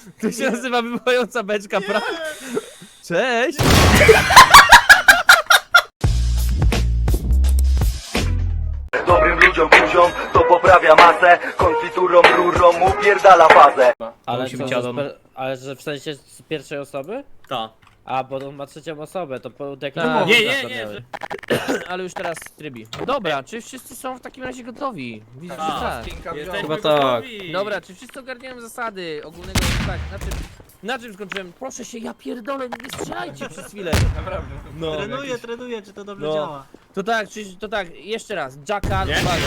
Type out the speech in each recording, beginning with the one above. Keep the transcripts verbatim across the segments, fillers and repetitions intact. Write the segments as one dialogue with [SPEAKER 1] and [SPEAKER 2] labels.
[SPEAKER 1] To się nazywa wybuchająca beczka, prawda? Cześć!
[SPEAKER 2] Dobrym ludziom, kuziom, to poprawia masę. Konfiturą, rurą upierdala fazę.
[SPEAKER 3] Ale,
[SPEAKER 1] musi
[SPEAKER 3] co,
[SPEAKER 1] być
[SPEAKER 3] że
[SPEAKER 1] addon.
[SPEAKER 3] spe- ale że w sensie z pierwszej osoby?
[SPEAKER 4] Ta.
[SPEAKER 3] A, bo on ma trzecią osobę, to po jakiejś
[SPEAKER 1] Tak.
[SPEAKER 4] Nie, nie, nie, że...
[SPEAKER 1] Ale już teraz trybi. Dobra, czy wszyscy są w takim razie gotowi? Widzę, że tak.
[SPEAKER 4] Jesteśmy
[SPEAKER 5] Chyba tak.
[SPEAKER 4] gotowi.
[SPEAKER 1] Dobra, czy wszyscy ogarniają zasady ogólnego, tak, na czym, na czym skończyłem? Proszę się, ja pierdolę, nie strzelajcie przez chwilę.
[SPEAKER 5] Naprawdę.
[SPEAKER 1] No,
[SPEAKER 4] Trenuję, trenuję, czy to dobrze
[SPEAKER 1] No.
[SPEAKER 4] działa.
[SPEAKER 1] to tak, czy, to tak, jeszcze raz, Jackal,
[SPEAKER 4] Nie?
[SPEAKER 1] uwaga.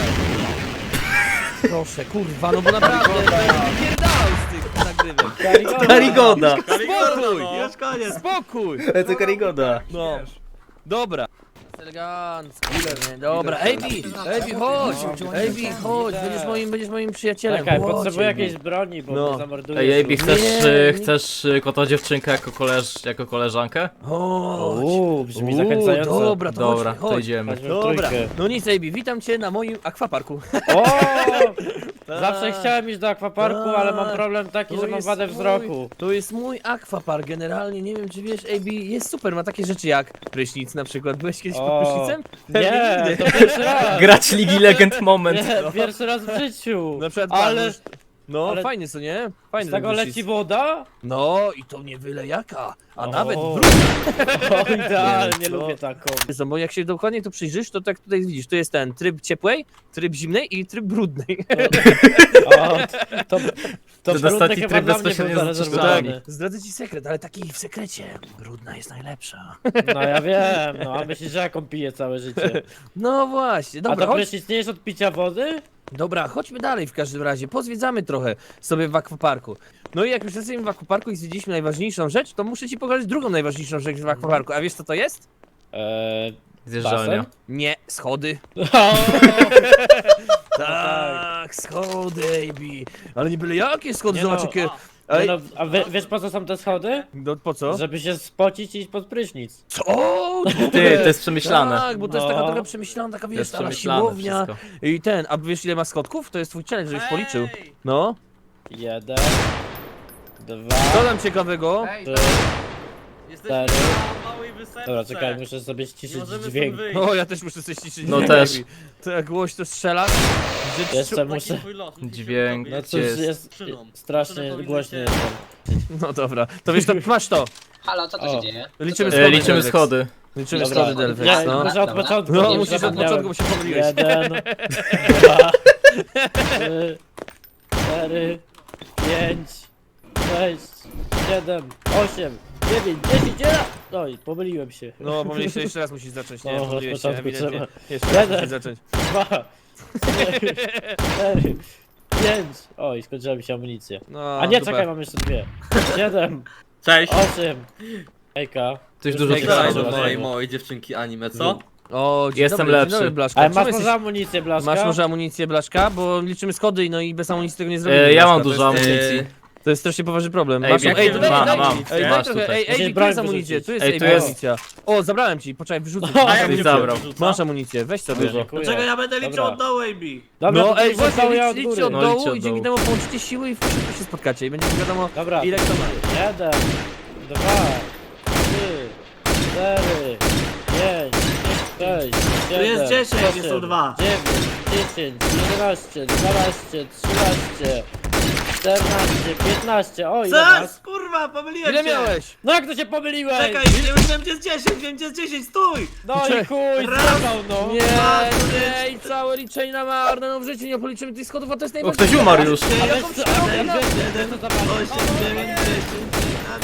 [SPEAKER 1] Proszę, kurwa, no bo naprawdę, wypierdalał z tych nagrywek.
[SPEAKER 5] Karigoda!
[SPEAKER 1] Spokój!
[SPEAKER 4] No. Już koniec.
[SPEAKER 1] Spokój!
[SPEAKER 5] To Karigoda.
[SPEAKER 1] No, dobra. Elegancko. Dobra, Ejbi, Ejbi, chodź, Ejbi, chodź, będziesz moim, będziesz moim przyjacielem.
[SPEAKER 3] Czekaj,
[SPEAKER 1] Chodź,
[SPEAKER 3] potrzebuję
[SPEAKER 1] Ejbi.
[SPEAKER 3] jakiejś broni, bo
[SPEAKER 1] No.
[SPEAKER 3] mnie zamorduje.
[SPEAKER 5] Ej, Ejbi, chcesz,
[SPEAKER 1] Nie,
[SPEAKER 5] y,
[SPEAKER 1] nie.
[SPEAKER 5] chcesz y, kota dziewczynkę jako, koleż, jako koleżankę?
[SPEAKER 1] Chodź.
[SPEAKER 3] Uuu, brzmi
[SPEAKER 1] Uuu,
[SPEAKER 3] zachęcająco.
[SPEAKER 1] Dobra, to
[SPEAKER 5] Dobra,
[SPEAKER 1] chodź,
[SPEAKER 5] to
[SPEAKER 1] chodź.
[SPEAKER 5] idziemy.
[SPEAKER 3] Chodźmy w
[SPEAKER 1] Dobra,
[SPEAKER 3] trójkę.
[SPEAKER 1] no nic, Ejbi, witam cię na moim akwaparku.
[SPEAKER 3] O! Zawsze chciałem iść do akwaparku, ale mam
[SPEAKER 1] Tak.
[SPEAKER 3] problem taki,
[SPEAKER 1] To
[SPEAKER 3] że mam
[SPEAKER 1] jest
[SPEAKER 3] wadę
[SPEAKER 1] mój-
[SPEAKER 3] wzroku.
[SPEAKER 1] To jest mój akwapark, generalnie, nie wiem czy wiesz, Ejbi, jest super, ma takie rzeczy jak prysznic na przykład. Byłeś kiedyś pod
[SPEAKER 3] O,
[SPEAKER 1] prysznicem?
[SPEAKER 3] Nie, to pierwszy raz.
[SPEAKER 5] Grać Ligi Legend moment.
[SPEAKER 3] Nie, pierwszy raz w życiu.
[SPEAKER 1] Na przykład,
[SPEAKER 3] Ale
[SPEAKER 1] patrz, no
[SPEAKER 3] ale-
[SPEAKER 1] fajnie, co nie? Fajny
[SPEAKER 3] z tego
[SPEAKER 1] ten
[SPEAKER 3] leci
[SPEAKER 1] prysznic.
[SPEAKER 3] woda?
[SPEAKER 1] No i to nie byle jaka, a
[SPEAKER 3] O.
[SPEAKER 1] nawet brudna.
[SPEAKER 3] O, idealnie,
[SPEAKER 1] No.
[SPEAKER 3] lubię taką.
[SPEAKER 1] No, bo jak się dokładnie tu przyjrzysz, to tak tutaj widzisz, tu jest ten tryb ciepłej, tryb zimnej i tryb brudnej.
[SPEAKER 3] O, to, to,
[SPEAKER 5] Ten
[SPEAKER 3] brudny
[SPEAKER 5] ostatni
[SPEAKER 3] chyba
[SPEAKER 5] tryb
[SPEAKER 3] dla mnie
[SPEAKER 5] bezpośrednio
[SPEAKER 3] był
[SPEAKER 5] z
[SPEAKER 3] zarezerwowany.
[SPEAKER 1] Zdradzę ci sekret, ale taki w sekrecie. Brudna jest najlepsza.
[SPEAKER 3] No ja wiem, no a myślisz, że jaką piję całe życie.
[SPEAKER 1] No właśnie,
[SPEAKER 3] A
[SPEAKER 1] dobra,
[SPEAKER 3] to
[SPEAKER 1] chodź,
[SPEAKER 3] prysznic nie jest od picia wody?
[SPEAKER 1] dobra, chodźmy dalej w każdym razie, pozwiedzamy trochę sobie w akwaparku. No i jak już jesteśmy w akwaparku i zwiedziliśmy najważniejszą rzecz, to muszę ci pokazać drugą najważniejszą rzecz w akwaparku. A wiesz co to jest?
[SPEAKER 3] Eee,
[SPEAKER 5] Zjeżdżalnia.
[SPEAKER 1] Nie, schody.
[SPEAKER 3] o,
[SPEAKER 1] Tak, schody, baby. Ale nie byle jakie schody,
[SPEAKER 3] Nie
[SPEAKER 1] zobacz
[SPEAKER 3] no,
[SPEAKER 1] jakie...
[SPEAKER 3] nie
[SPEAKER 1] Ale...
[SPEAKER 3] no, a wie, wiesz po co są te schody?
[SPEAKER 1] No po co?
[SPEAKER 3] Żeby się spocić i iść pod prysznic.
[SPEAKER 1] Co?
[SPEAKER 5] Ty, to jest przemyślane.
[SPEAKER 1] Tak, bo to jest
[SPEAKER 3] No.
[SPEAKER 1] taka trochę przemyślana, taka
[SPEAKER 5] To
[SPEAKER 1] wiesz,
[SPEAKER 5] jest
[SPEAKER 1] taka
[SPEAKER 5] przemyślane
[SPEAKER 1] siłownia.
[SPEAKER 5] wszystko.
[SPEAKER 1] I ten, a wiesz ile ma schodków? To jest twój challenge, żebyś policzył. No.
[SPEAKER 3] Jeden,
[SPEAKER 1] Co
[SPEAKER 3] dwa,
[SPEAKER 1] tam ciekawego?
[SPEAKER 3] trzy.
[SPEAKER 4] Jesteśmy
[SPEAKER 3] Cztery.
[SPEAKER 4] na małej wysepce.
[SPEAKER 3] Dobra, czekaj, muszę sobie
[SPEAKER 4] Nie
[SPEAKER 3] ściszyć
[SPEAKER 4] możemy stąd
[SPEAKER 3] dźwięk.
[SPEAKER 4] wyjść.
[SPEAKER 1] O, ja też muszę coś ciszyć.
[SPEAKER 5] No
[SPEAKER 1] dźwięk,
[SPEAKER 5] też.
[SPEAKER 1] baby. To jak głośno strzela. Że
[SPEAKER 3] Jeszcze
[SPEAKER 4] Taki
[SPEAKER 3] muszę...
[SPEAKER 4] twój los, musisz
[SPEAKER 5] Dźwięk.
[SPEAKER 4] się
[SPEAKER 3] No
[SPEAKER 4] dowiedzieć.
[SPEAKER 3] cóż,
[SPEAKER 5] jest?
[SPEAKER 3] jest
[SPEAKER 4] Szyną.
[SPEAKER 3] strasznie
[SPEAKER 4] Szyny
[SPEAKER 3] głośny
[SPEAKER 4] powinny
[SPEAKER 3] jestem.
[SPEAKER 1] No dobra, to wiesz, to masz to.
[SPEAKER 6] Halo, co tu
[SPEAKER 3] O.
[SPEAKER 6] się dzieje?
[SPEAKER 1] Liczymy
[SPEAKER 5] E,
[SPEAKER 1] schody.
[SPEAKER 5] liczymy
[SPEAKER 1] Delvex.
[SPEAKER 5] schody.
[SPEAKER 1] Liczymy
[SPEAKER 3] Dobra,
[SPEAKER 1] schody Delvex,
[SPEAKER 3] nie,
[SPEAKER 1] no.
[SPEAKER 3] może od
[SPEAKER 6] Dobra.
[SPEAKER 3] początku,
[SPEAKER 1] No,
[SPEAKER 3] nie
[SPEAKER 1] musisz od
[SPEAKER 3] zapomniałem.
[SPEAKER 1] początku, bo się pomyliłeś.
[SPEAKER 3] Jeden, dwa, trzy, cztery, pięć, sześć, siedem, osiem, dziewięć, dziesięć, jeden! Oj, pomyliłem się.
[SPEAKER 1] No, pomyliłeś, jeszcze raz musisz zacząć, nie?
[SPEAKER 3] No, od
[SPEAKER 1] Pomyliłeś się,
[SPEAKER 3] początku
[SPEAKER 1] ewidentnie.
[SPEAKER 3] trzeba.
[SPEAKER 1] Jeszcze raz
[SPEAKER 3] Jeden.
[SPEAKER 1] musisz zacząć.
[SPEAKER 3] Dwa, trzy, cztery, pięć. Oj, skończyła mi się amunicja.
[SPEAKER 1] No,
[SPEAKER 3] A nie,
[SPEAKER 1] super.
[SPEAKER 3] czekaj, mam jeszcze dwie. Siedem,
[SPEAKER 4] Cześć.
[SPEAKER 3] osiem. Hejka.
[SPEAKER 5] Coś dużo
[SPEAKER 1] Ej,
[SPEAKER 5] pisane.
[SPEAKER 1] daj,
[SPEAKER 4] do
[SPEAKER 1] dobra.
[SPEAKER 4] mojej małej dziewczynki anime, co?
[SPEAKER 1] O, dzień
[SPEAKER 5] Jestem
[SPEAKER 1] dobry,
[SPEAKER 5] lepszy.
[SPEAKER 1] Dzień dobry, Blaszka.
[SPEAKER 3] Ale
[SPEAKER 1] Czemu
[SPEAKER 3] masz
[SPEAKER 1] jesteś-
[SPEAKER 3] może amunicję, Blaszka?
[SPEAKER 1] Masz może amunicję, Blaszka? Bo liczymy schody, no i bez amunicji tego nie zrobimy.
[SPEAKER 5] E, ja mam
[SPEAKER 1] Blaszka,
[SPEAKER 5] dużo
[SPEAKER 1] to jest-
[SPEAKER 5] amunicji.
[SPEAKER 1] To jest strasznie poważny problem.
[SPEAKER 5] Ej,
[SPEAKER 1] Masz,
[SPEAKER 5] jak
[SPEAKER 1] ej,
[SPEAKER 5] nie
[SPEAKER 1] to daj,
[SPEAKER 5] mam,
[SPEAKER 1] daj,
[SPEAKER 5] mam.
[SPEAKER 1] mi. Ej, daj
[SPEAKER 5] Masz
[SPEAKER 1] trochę,
[SPEAKER 5] tutaj.
[SPEAKER 1] ej, ej,
[SPEAKER 3] Musisz
[SPEAKER 1] tu
[SPEAKER 3] broń
[SPEAKER 1] jest amunicja,
[SPEAKER 3] wyrzucić.
[SPEAKER 1] tu jest
[SPEAKER 5] Ej,
[SPEAKER 1] ej,
[SPEAKER 5] tu jest-
[SPEAKER 1] amunicja. O, zabrałem ci, poczekaj, wyrzucę.
[SPEAKER 3] O,
[SPEAKER 1] Masz
[SPEAKER 3] ja
[SPEAKER 1] amunicję.
[SPEAKER 5] zabrał.
[SPEAKER 1] Masz amunicję, weź sobie.
[SPEAKER 3] Dziękuję.
[SPEAKER 4] Dlaczego ja będę liczył
[SPEAKER 3] Dobra.
[SPEAKER 4] od dołu, A B?
[SPEAKER 3] Dobra,
[SPEAKER 1] No
[SPEAKER 3] to
[SPEAKER 1] ej,
[SPEAKER 3] ej,
[SPEAKER 1] właśnie,
[SPEAKER 3] ja
[SPEAKER 1] licz,
[SPEAKER 3] od
[SPEAKER 1] liczcie
[SPEAKER 3] góry.
[SPEAKER 1] od
[SPEAKER 5] No,
[SPEAKER 1] dołu
[SPEAKER 5] liczcie od
[SPEAKER 1] i dzięki
[SPEAKER 5] dołu.
[SPEAKER 1] temu połączycie siły i szybko się spotkacie i będzie wiadomo
[SPEAKER 3] Dobra.
[SPEAKER 1] ile kto ma.
[SPEAKER 3] Jeden, dwa, trzy, cztery, pięć, sześć, siedem,
[SPEAKER 4] jest dziesięć, nie są
[SPEAKER 3] osiem,
[SPEAKER 4] dwa.
[SPEAKER 3] dziewięć, dziesięć, jedenaście, dwanaście, trzynaście, czternaście, piętnaście, o ile
[SPEAKER 4] Co?
[SPEAKER 3] masz?
[SPEAKER 4] Kurwa, pomyliłem
[SPEAKER 1] Ile
[SPEAKER 4] się.
[SPEAKER 1] miałeś?
[SPEAKER 3] No jak to się pomyliłeś?
[SPEAKER 4] Czekaj, nie wiem gdzie jest dziesięć, wiem gdzie jest dziesięć, stój!
[SPEAKER 3] No i chuj,
[SPEAKER 4] Raz.
[SPEAKER 3] zjebał no!
[SPEAKER 1] Nie,
[SPEAKER 4] Dwa,
[SPEAKER 1] nie, i całe liczenie na marne, no w życiu nie policzymy tych schodów, a to jest
[SPEAKER 5] O,
[SPEAKER 1] najważniejsze.
[SPEAKER 5] ktoś umarł już.
[SPEAKER 3] A
[SPEAKER 1] Jaką
[SPEAKER 3] weź co,
[SPEAKER 1] przerobę,
[SPEAKER 3] ej,
[SPEAKER 1] no?
[SPEAKER 3] weź, weź to zobaczyć.
[SPEAKER 4] osiem, dziewięć, dziesięć,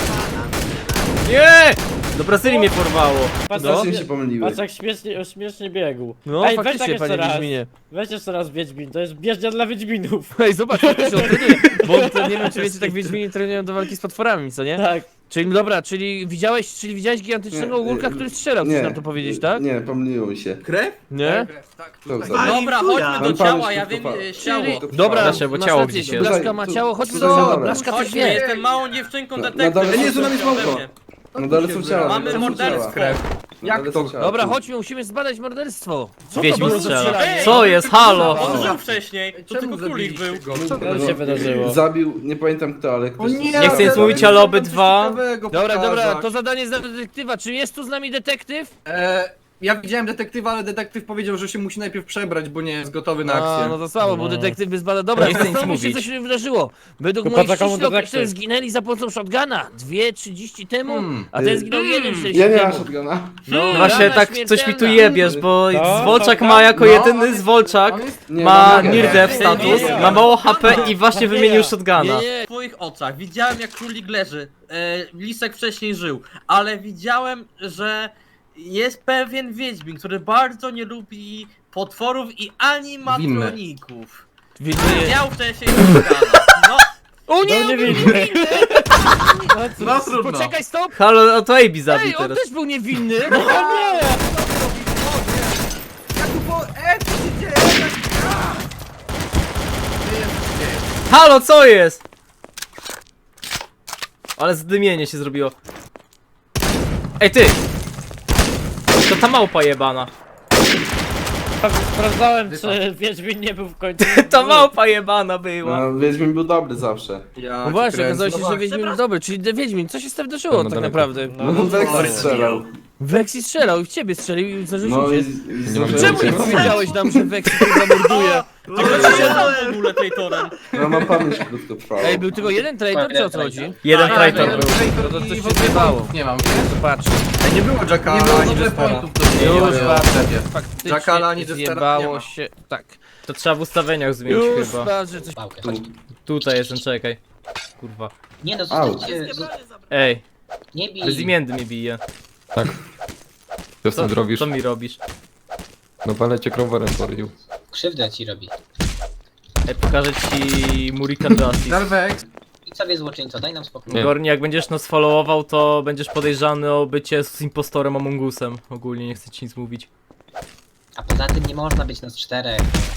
[SPEAKER 5] Nie! Do Brazylii mnie porwało.
[SPEAKER 3] Patrz,
[SPEAKER 1] No.
[SPEAKER 3] jak-
[SPEAKER 7] się pomyliły.
[SPEAKER 3] Patrz jak śmiesznie, śmiesznie biegł.
[SPEAKER 1] No
[SPEAKER 3] Ej, weź tak
[SPEAKER 1] faktycznie,
[SPEAKER 3] jeszcze
[SPEAKER 1] panie
[SPEAKER 3] raz.
[SPEAKER 1] Wiedźminie.
[SPEAKER 3] Weź jeszcze raz Wiedźmin, to jest bieżnia dla Wiedźminów.
[SPEAKER 1] Ej, zobacz, jak to się trenuje, bo to nie wiem, czy wiecie, tak Wiedźmini trenują do walki z potworami, co nie?
[SPEAKER 3] Tak.
[SPEAKER 1] Czyli dobra, czyli widziałeś, czyli widziałeś gigantycznego
[SPEAKER 7] Nie,
[SPEAKER 1] ogórka,
[SPEAKER 7] nie,
[SPEAKER 1] który strzelał, chcesz nam to powiedzieć, tak?
[SPEAKER 7] Nie, pomyliło mi się.
[SPEAKER 4] Krew?
[SPEAKER 1] Nie?
[SPEAKER 7] To co?
[SPEAKER 4] Dobra,
[SPEAKER 7] Pan
[SPEAKER 4] chodźmy do
[SPEAKER 7] pan
[SPEAKER 4] ciała,
[SPEAKER 7] już
[SPEAKER 4] ja
[SPEAKER 7] tu
[SPEAKER 4] wiem
[SPEAKER 7] pan-
[SPEAKER 4] e, ciało.
[SPEAKER 1] Czyli-
[SPEAKER 7] To
[SPEAKER 1] Dobra,
[SPEAKER 5] Proszę, bo
[SPEAKER 1] masz
[SPEAKER 5] ciało
[SPEAKER 1] rację,
[SPEAKER 5] gdzieś jest.
[SPEAKER 1] Blaszka ma
[SPEAKER 7] Tu-
[SPEAKER 1] ciało,
[SPEAKER 7] tu-
[SPEAKER 1] chodźmy
[SPEAKER 7] tu
[SPEAKER 1] do ciała,
[SPEAKER 7] zaraz.
[SPEAKER 1] Blaszka coś
[SPEAKER 4] Chodźmy,
[SPEAKER 1] wie.
[SPEAKER 4] jestem małą dziewczynką
[SPEAKER 7] Na-
[SPEAKER 4] detektyw.
[SPEAKER 7] na dole- nie, tu nam jest małpa.
[SPEAKER 4] Pewnie.
[SPEAKER 7] No dalej są ciała.
[SPEAKER 4] Mamy
[SPEAKER 7] dalej są
[SPEAKER 4] morderstwo.
[SPEAKER 7] ciała.
[SPEAKER 6] Jak to?
[SPEAKER 1] Dobra, chodźmy, musimy zbadać morderstwo. Co to
[SPEAKER 5] Wiedźmin
[SPEAKER 1] było za
[SPEAKER 5] strzela.
[SPEAKER 1] strzelanie?
[SPEAKER 5] Co jest? Halo!
[SPEAKER 4] On żył wcześniej, to tylko królik był.
[SPEAKER 3] Co się wydarzyło?
[SPEAKER 6] Zabił, nie pamiętam kto, ale ktoś...
[SPEAKER 5] Nie chcę nic mówić, ale obydwa.
[SPEAKER 1] Dobra, dobra, to zadanie dla detektywa. Czy jest tu z nami detektyw?
[SPEAKER 7] E, ja widziałem detektywa, ale detektyw powiedział, że się musi najpierw przebrać, bo nie jest gotowy na
[SPEAKER 1] A,
[SPEAKER 7] akcję.
[SPEAKER 1] no to słabo, bo
[SPEAKER 3] No.
[SPEAKER 1] detektyw by zbadał. Dobra,
[SPEAKER 5] Nie chcę nic
[SPEAKER 1] zastanówmy się,
[SPEAKER 5] mówić.
[SPEAKER 1] co się wydarzyło. Według
[SPEAKER 3] Tylko
[SPEAKER 1] moich
[SPEAKER 3] po co komu
[SPEAKER 1] ściśle
[SPEAKER 3] detektyw?
[SPEAKER 1] określeń zginęli za pomocą shotguna. Dwie trzydzieści temu,
[SPEAKER 7] Hmm.
[SPEAKER 1] a ten zginął jeden czterdzieści
[SPEAKER 6] Ja nie mam
[SPEAKER 1] temu.
[SPEAKER 6] shotguna.
[SPEAKER 1] No,
[SPEAKER 5] Właśnie
[SPEAKER 1] rana
[SPEAKER 5] tak coś mi tu
[SPEAKER 1] śmiertelna.
[SPEAKER 5] jebiesz, bo
[SPEAKER 3] To,
[SPEAKER 5] Zwolczak
[SPEAKER 3] to,
[SPEAKER 5] ma
[SPEAKER 3] to.
[SPEAKER 5] jako
[SPEAKER 7] No,
[SPEAKER 5] jedyny
[SPEAKER 7] on
[SPEAKER 5] Zwolczak,
[SPEAKER 7] On jest...
[SPEAKER 6] Nie,
[SPEAKER 5] ma
[SPEAKER 6] mam
[SPEAKER 5] near
[SPEAKER 6] nogę.
[SPEAKER 5] death status,
[SPEAKER 3] Nie.
[SPEAKER 5] ma mało H P i właśnie wymienił shotguna.
[SPEAKER 1] Nie, nie.
[SPEAKER 4] W twoich oczach widziałem jak królik leży. E, Lisek wcześniej żył, ale widziałem, że jest pewien wiedźmin, który bardzo nie lubi potworów i animatroników.
[SPEAKER 1] Widzę.
[SPEAKER 4] Widział wcześniej shotguna. No,
[SPEAKER 1] O nie,
[SPEAKER 3] No nie
[SPEAKER 1] on był
[SPEAKER 3] widzę.
[SPEAKER 1] niewinny!
[SPEAKER 7] No trudno.
[SPEAKER 1] Poczekaj, stop!
[SPEAKER 5] Halo, o to A B zabił
[SPEAKER 1] Ej, on
[SPEAKER 5] teraz.
[SPEAKER 1] też był niewinny!
[SPEAKER 7] Jak tu po... E, co się dzieje?
[SPEAKER 5] Halo, co jest? Ale zdymienie się zrobiło. Ej ty! To ta małpa jebana.
[SPEAKER 3] Sprawdzałem, czy Wiedźmin nie był w końcu.
[SPEAKER 5] Ta małpa jebana była.
[SPEAKER 6] No, Wiedźmin był dobry zawsze.
[SPEAKER 7] Ja
[SPEAKER 1] No właśnie,
[SPEAKER 7] cię
[SPEAKER 1] okazało się,
[SPEAKER 7] kręcę.
[SPEAKER 1] że Wiedźmin był dobry, czyli de- Wiedźmin, co się z tym wydarzyło tak naprawdę?
[SPEAKER 6] No, no Wex strzelał.
[SPEAKER 1] Vexi strzelał i w ciebie strzelił i zdążył
[SPEAKER 6] No
[SPEAKER 1] się
[SPEAKER 6] i...
[SPEAKER 1] uciec.
[SPEAKER 6] i zdążyłem
[SPEAKER 1] Czemu nie
[SPEAKER 6] uciec.
[SPEAKER 1] powiedziałeś nam, że Vexi tu zamorduje?
[SPEAKER 4] a kto się stał w ogóle traitorem?
[SPEAKER 6] No mam pamięć krótko trwała.
[SPEAKER 1] Ej, był tylko jeden traitor, czy o co chodzi?
[SPEAKER 5] Jeden
[SPEAKER 7] Tak,
[SPEAKER 5] traitor
[SPEAKER 7] jeden
[SPEAKER 5] był.
[SPEAKER 7] traitor
[SPEAKER 1] No to
[SPEAKER 7] i
[SPEAKER 1] coś
[SPEAKER 7] w
[SPEAKER 1] się
[SPEAKER 7] ogóle
[SPEAKER 1] zjebało.
[SPEAKER 7] punktów nie mam.
[SPEAKER 1] Zobacz.
[SPEAKER 7] Ej, nie było Jackala,
[SPEAKER 6] Nie było
[SPEAKER 7] ani
[SPEAKER 6] dobre
[SPEAKER 7] Jestera.
[SPEAKER 6] pointów do
[SPEAKER 1] Już
[SPEAKER 6] mnie.
[SPEAKER 1] patrzę, faktycznie
[SPEAKER 7] Jackala ani Jestera nie
[SPEAKER 1] zjebało
[SPEAKER 7] ma.
[SPEAKER 1] się, tak.
[SPEAKER 5] To trzeba w ustawieniach zmienić
[SPEAKER 1] Już
[SPEAKER 5] chyba.
[SPEAKER 1] patrzę, coś...
[SPEAKER 8] Pałkę,
[SPEAKER 6] Tu.
[SPEAKER 8] chodź.
[SPEAKER 5] Tutaj jestem, czekaj. Kurwa.
[SPEAKER 8] Nie no,
[SPEAKER 6] Au.
[SPEAKER 8] zostańcie,
[SPEAKER 5] Ej,
[SPEAKER 8] nie bij.
[SPEAKER 5] bezimienny mnie bije.
[SPEAKER 9] Co
[SPEAKER 5] Co,
[SPEAKER 9] ty robisz?
[SPEAKER 5] co mi robisz?
[SPEAKER 9] No palę cię crowbarem porił.
[SPEAKER 8] Krzywdę ci robi.
[SPEAKER 5] Ej, pokażę ci Murikan Justice.
[SPEAKER 7] Delvex,
[SPEAKER 8] I sobie złoczyńco, daj nam spokój.
[SPEAKER 9] Nie.
[SPEAKER 5] Gorni, jak będziesz nas followował, to będziesz podejrzany o bycie z impostorem Among Usem. Ogólnie nie chcę ci nic mówić.
[SPEAKER 8] A poza tym nie można być nas czterech.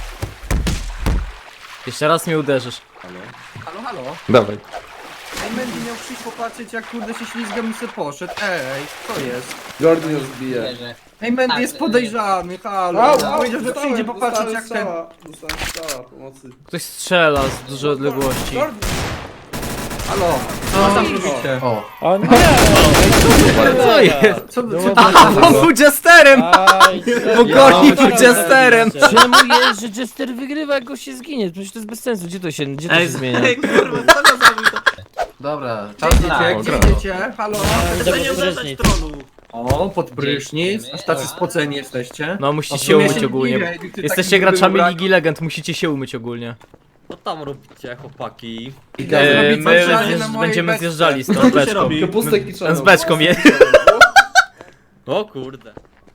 [SPEAKER 5] Jeszcze raz mnie uderzysz.
[SPEAKER 7] halo, halo.
[SPEAKER 9] Dawaj.
[SPEAKER 7] Ej, Mandy miał przyjść popatrzeć, jak kurde się ślizgam i se poszedł. Ej, co jest?
[SPEAKER 6] Gordon ją zbije.
[SPEAKER 8] Wierzę.
[SPEAKER 7] Ej, Mandy
[SPEAKER 8] Tak,
[SPEAKER 7] jest
[SPEAKER 8] e,
[SPEAKER 7] podejrzany, halo.
[SPEAKER 6] Au,
[SPEAKER 7] On
[SPEAKER 6] au,
[SPEAKER 7] powiedział, że
[SPEAKER 6] dostałem,
[SPEAKER 7] przyjdzie popatrzeć,
[SPEAKER 6] dostałem
[SPEAKER 7] jak ten...
[SPEAKER 6] strzała. Dostałem strzała, pomocy.
[SPEAKER 5] Ktoś strzela z dużej odległości.
[SPEAKER 6] Gordon!
[SPEAKER 7] Halo, co tam robicie? O.
[SPEAKER 3] O nie!
[SPEAKER 5] Ale co jest?
[SPEAKER 7] Co, co,
[SPEAKER 5] A, on był jesterem!
[SPEAKER 3] Aj,
[SPEAKER 5] Bo Gorni był jesterem!
[SPEAKER 1] Czemu jest, że Jester wygrywa, jak go się zginie? Przecież to jest bez sensu, gdzie to się, gdzie to się zmienia?
[SPEAKER 4] ej kurwa, co to zrobił to?
[SPEAKER 7] Dobra,
[SPEAKER 8] Tak.
[SPEAKER 7] czas idzie, gdzie
[SPEAKER 9] Dobra.
[SPEAKER 7] idziecie? Halo?
[SPEAKER 4] Chcę nie uderzać tronu.
[SPEAKER 7] O, pod prysznic, aż tacy spoceni jesteście.
[SPEAKER 5] No
[SPEAKER 7] A
[SPEAKER 5] musicie
[SPEAKER 7] w
[SPEAKER 5] się
[SPEAKER 7] sumie
[SPEAKER 5] umyć
[SPEAKER 7] się
[SPEAKER 5] ogólnie.
[SPEAKER 7] dziwię, jakby ty
[SPEAKER 5] Jesteście
[SPEAKER 7] taki
[SPEAKER 5] graczami
[SPEAKER 7] był
[SPEAKER 5] Ligi Legend, musicie się umyć ogólnie.
[SPEAKER 4] Co tam robicie, chłopaki?
[SPEAKER 7] Idę
[SPEAKER 5] E,
[SPEAKER 7] zrobić
[SPEAKER 5] my
[SPEAKER 7] zadanie
[SPEAKER 5] zjeżdż-
[SPEAKER 7] na mojej
[SPEAKER 5] będziemy
[SPEAKER 7] beczce.
[SPEAKER 5] zjeżdżali z tą
[SPEAKER 4] Co tu się
[SPEAKER 5] beczką.
[SPEAKER 4] robi?
[SPEAKER 6] Kapustek i
[SPEAKER 5] Z beczką je.
[SPEAKER 4] O kurde.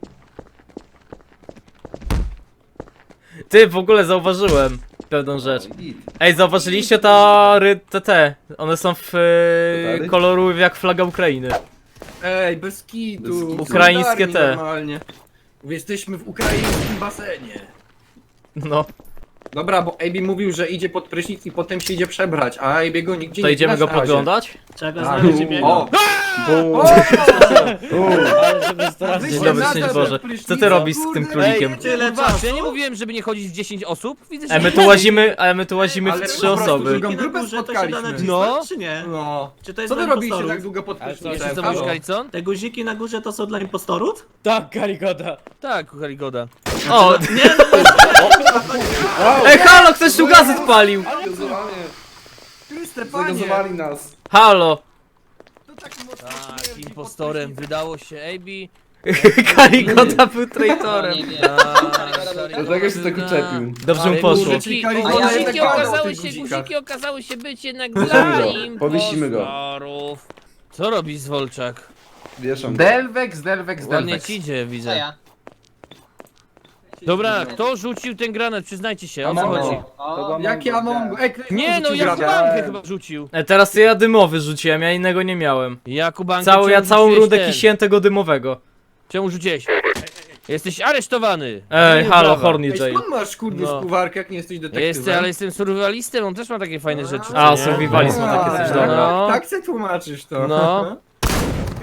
[SPEAKER 5] Ty, w ogóle zauważyłem pewną rzecz. Ej, zauważyliście ta te, te. One są w e,
[SPEAKER 6] Tatary?
[SPEAKER 5] koloru jak flaga Ukrainy.
[SPEAKER 7] Ej, bez kitu.
[SPEAKER 6] Bez kitu.
[SPEAKER 5] Ukraińskie
[SPEAKER 7] Solidarni
[SPEAKER 5] te.
[SPEAKER 7] Normalnie. Jesteśmy w ukraińskim basenie.
[SPEAKER 5] No,
[SPEAKER 7] Dobra, bo Ejbi mówił, że idzie pod prysznic i potem się idzie przebrać, a Ejbi go nigdzie
[SPEAKER 5] to
[SPEAKER 7] nie
[SPEAKER 5] idziemy
[SPEAKER 7] widać
[SPEAKER 5] go
[SPEAKER 7] na razie.
[SPEAKER 5] podglądać?
[SPEAKER 4] Czego
[SPEAKER 7] Tak.
[SPEAKER 4] znaleźć biega?
[SPEAKER 7] O!
[SPEAKER 6] Bum.
[SPEAKER 3] Ale żeby strasznie.
[SPEAKER 5] Dzień dobry, szczęść Boże. Co ty robisz z tym królikiem?
[SPEAKER 4] Tyle
[SPEAKER 1] Kurwa,
[SPEAKER 4] czasu?
[SPEAKER 1] ja nie mówiłem, żeby nie chodzić w dziesięć osób. Widzę, że
[SPEAKER 5] A my tu łazimy, a my tu łazimy
[SPEAKER 7] Ale
[SPEAKER 5] w
[SPEAKER 7] po
[SPEAKER 5] trzy
[SPEAKER 7] prostu
[SPEAKER 5] osoby.
[SPEAKER 7] drugą
[SPEAKER 4] Na
[SPEAKER 7] grupę
[SPEAKER 4] górze to się da
[SPEAKER 7] spotkaliśmy.
[SPEAKER 4] nacisnąć,
[SPEAKER 1] No.
[SPEAKER 4] czy nie?
[SPEAKER 7] No.
[SPEAKER 4] Czy to jest
[SPEAKER 7] Co wy
[SPEAKER 4] dla
[SPEAKER 7] robiliście
[SPEAKER 4] impostorów?
[SPEAKER 7] tak długo pod
[SPEAKER 3] Ale co,
[SPEAKER 7] prysznicem?
[SPEAKER 1] Jeszcze co
[SPEAKER 7] Halo?
[SPEAKER 1] mówisz, Kalicon?
[SPEAKER 4] Te guziki na górze to są dla impostorów?
[SPEAKER 3] Tak, Karigoda.
[SPEAKER 1] Tak, Karigoda.
[SPEAKER 5] O!
[SPEAKER 4] Nie, no
[SPEAKER 5] Ej, halo, ktoś tu gazet palił!
[SPEAKER 6] Zagazowali,
[SPEAKER 7] Chryste, panie!
[SPEAKER 6] zagazowali nas.
[SPEAKER 5] Halo!
[SPEAKER 1] Tak, impostorem wydało się A B.
[SPEAKER 5] Karigoda był
[SPEAKER 8] O,
[SPEAKER 5] traitorem.
[SPEAKER 8] nie wiem.
[SPEAKER 6] Dlatego się tak uczepił.
[SPEAKER 5] Dobrze mu
[SPEAKER 7] Ale
[SPEAKER 5] poszło.
[SPEAKER 7] może-
[SPEAKER 1] Guziki,
[SPEAKER 7] A ja
[SPEAKER 1] guziki,
[SPEAKER 7] jednak gadał o
[SPEAKER 1] okazały
[SPEAKER 7] tych
[SPEAKER 1] się,
[SPEAKER 7] guzikach.
[SPEAKER 1] guziki okazały się być jednak
[SPEAKER 6] Powiesimy
[SPEAKER 1] dla
[SPEAKER 6] go, powiesimy go.
[SPEAKER 1] impostorów. Co robisz, Zwolczak?
[SPEAKER 6] Wieszam.
[SPEAKER 7] Delvex, Delvex,
[SPEAKER 1] Ładnie
[SPEAKER 7] Delvex.
[SPEAKER 1] ci idzie,
[SPEAKER 8] Co
[SPEAKER 1] widzę.
[SPEAKER 8] ja?
[SPEAKER 1] Dobra, kto rzucił ten granat? Przyznajcie się, o co
[SPEAKER 7] Amongo.
[SPEAKER 1] chodzi?
[SPEAKER 8] O,
[SPEAKER 7] Jak ja mam... Ej, ktoś
[SPEAKER 1] Nie, no
[SPEAKER 7] rzucił granat.
[SPEAKER 1] Jakubankę chyba rzucił.
[SPEAKER 5] E, teraz ja dymowy rzuciłem, ja innego nie miałem.
[SPEAKER 1] Jakubankę,
[SPEAKER 5] Całą, ja
[SPEAKER 1] czemu
[SPEAKER 5] całą
[SPEAKER 1] rzuciłeś
[SPEAKER 5] rundę
[SPEAKER 1] ten?
[SPEAKER 5] kisiłem tego dymowego.
[SPEAKER 1] Czemu rzuciłeś? Jesteś aresztowany.
[SPEAKER 5] Ej,
[SPEAKER 1] Nie,
[SPEAKER 5] halo,
[SPEAKER 1] brawa.
[SPEAKER 5] Horny
[SPEAKER 7] Ej,
[SPEAKER 5] Jail.
[SPEAKER 7] skąd masz kurde
[SPEAKER 1] No.
[SPEAKER 7] skuwarkę, jak nie jesteś detektywem?
[SPEAKER 1] Jestem, ale jestem survivalistem, on też ma takie fajne rzeczy.
[SPEAKER 5] A,
[SPEAKER 1] co nie?
[SPEAKER 5] survivalizm ma takie coś,
[SPEAKER 7] A,
[SPEAKER 5] dobra.
[SPEAKER 1] No.
[SPEAKER 7] Tak se tłumaczysz to.
[SPEAKER 1] No.
[SPEAKER 7] Okej.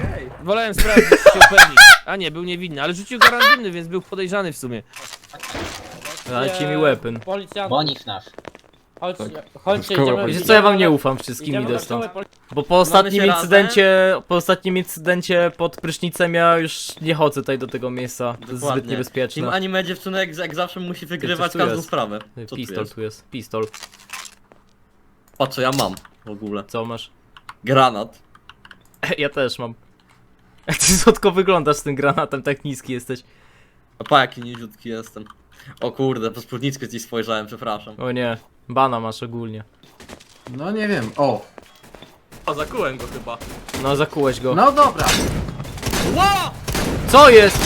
[SPEAKER 1] Wolałem sprawdzić, czy się upewnić. A nie, był niewinny, ale rzucił go randomny, więc był podejrzany w sumie.
[SPEAKER 5] Dajcie mi weapon.
[SPEAKER 3] Policjant,
[SPEAKER 8] Boni F N A F.
[SPEAKER 3] chodź,
[SPEAKER 9] Tak.
[SPEAKER 3] chodźcie,
[SPEAKER 9] Szkoła
[SPEAKER 3] idziemy...
[SPEAKER 5] Wiecie co, ja wam nie ufam wszystkim
[SPEAKER 3] idziemy
[SPEAKER 5] idę
[SPEAKER 3] na
[SPEAKER 5] stąd.
[SPEAKER 3] szkołę poli-
[SPEAKER 5] Bo po ostatnim
[SPEAKER 4] się
[SPEAKER 5] incydencie, po ostatnim incydencie pod prysznicem ja już nie chodzę tutaj do tego miejsca. To jest zbyt
[SPEAKER 4] Dokładnie. Team
[SPEAKER 5] niebezpieczne.
[SPEAKER 4] anime dziewczynek jak zawsze musi wygrywać
[SPEAKER 5] tu
[SPEAKER 4] każdą
[SPEAKER 5] jest?
[SPEAKER 4] sprawę. Co tu
[SPEAKER 5] Pistol
[SPEAKER 4] jest?
[SPEAKER 5] tu jest, pistol.
[SPEAKER 4] Patrz co ja mam w ogóle.
[SPEAKER 5] Co masz?
[SPEAKER 4] Granat.
[SPEAKER 5] Ja też mam. Jak ty słodko wyglądasz z tym granatem, tak niski jesteś.
[SPEAKER 4] A pa jaki niziutki jestem. O kurde, po spódniczkę ci spojrzałem, przepraszam.
[SPEAKER 5] O nie, bana masz ogólnie.
[SPEAKER 7] No nie wiem, o.
[SPEAKER 4] O, zakułem go chyba.
[SPEAKER 5] No zakułeś go.
[SPEAKER 7] No dobra.
[SPEAKER 4] Ło!
[SPEAKER 5] Co jest?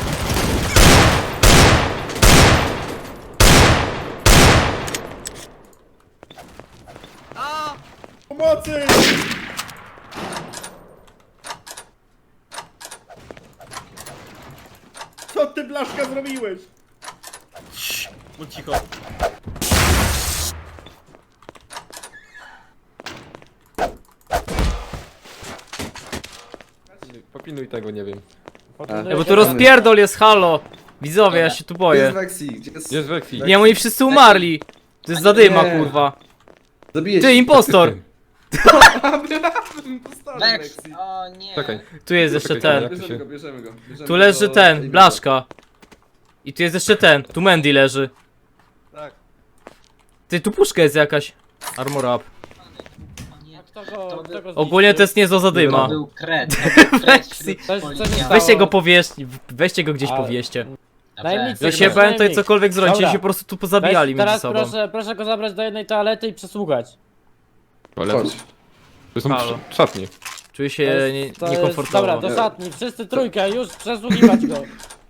[SPEAKER 10] Co ty, Blaszka, zrobiłeś?
[SPEAKER 4] No cicho.
[SPEAKER 9] Popinuj tego, nie wiem.
[SPEAKER 5] Ej, bo tu rozpierdol jest, halo! Widzowie, ja się tu
[SPEAKER 6] Gdzie
[SPEAKER 5] boję.
[SPEAKER 6] jest Vexi? Gdzie jest...
[SPEAKER 9] Jest Vexi.
[SPEAKER 5] Nie, oni wszyscy umarli. To jest zadyma,
[SPEAKER 6] Nie.
[SPEAKER 5] kurwa.
[SPEAKER 6] Zabiję
[SPEAKER 5] Ty, impostor!
[SPEAKER 8] Vex! O nie.
[SPEAKER 9] Czekaj.
[SPEAKER 5] Tu jest jeszcze
[SPEAKER 9] Czekaj,
[SPEAKER 5] ten.
[SPEAKER 9] jak-
[SPEAKER 6] Bierzemy go, bierzemy go. Bierzemy
[SPEAKER 5] Tu leży
[SPEAKER 6] go
[SPEAKER 5] ten,
[SPEAKER 6] i-
[SPEAKER 5] blaszka. I tu jest jeszcze ten, tu Mandy leży.
[SPEAKER 10] Tak.
[SPEAKER 5] Ty, tu puszka jest jakaś. Armor up.
[SPEAKER 8] O nie.
[SPEAKER 3] A kto go,
[SPEAKER 8] To
[SPEAKER 3] kto go
[SPEAKER 5] Ogólnie to jest niezła
[SPEAKER 8] To
[SPEAKER 5] zadyma.
[SPEAKER 8] był kret. To był kret
[SPEAKER 5] Vexi.
[SPEAKER 8] wśród
[SPEAKER 3] Coś- coś
[SPEAKER 8] policjantów.
[SPEAKER 3] stało.
[SPEAKER 5] Weźcie go powieść, weźcie go gdzieś
[SPEAKER 3] Ale-
[SPEAKER 5] powieście.
[SPEAKER 8] Dobrze.
[SPEAKER 3] Najemnicy.
[SPEAKER 5] Jak się
[SPEAKER 3] Weź-
[SPEAKER 5] bałem, to
[SPEAKER 3] najemnik.
[SPEAKER 5] cokolwiek zrobić,
[SPEAKER 3] Dobra.
[SPEAKER 5] się po prostu tu pozabijali
[SPEAKER 3] Weź,
[SPEAKER 5] między
[SPEAKER 3] teraz
[SPEAKER 5] sobą.
[SPEAKER 3] proszę, proszę go zabrać do jednej toalety i przesługać.
[SPEAKER 9] Ale
[SPEAKER 6] Chodź.
[SPEAKER 9] to są
[SPEAKER 5] Halo.
[SPEAKER 9] sz- szatnie.
[SPEAKER 5] Czuję
[SPEAKER 3] To
[SPEAKER 5] się
[SPEAKER 3] jest-
[SPEAKER 5] nie,
[SPEAKER 3] to jest-
[SPEAKER 5] niekomfortowo.
[SPEAKER 3] Dobra, do szatni, wszyscy trójkę, już przesługiwać go.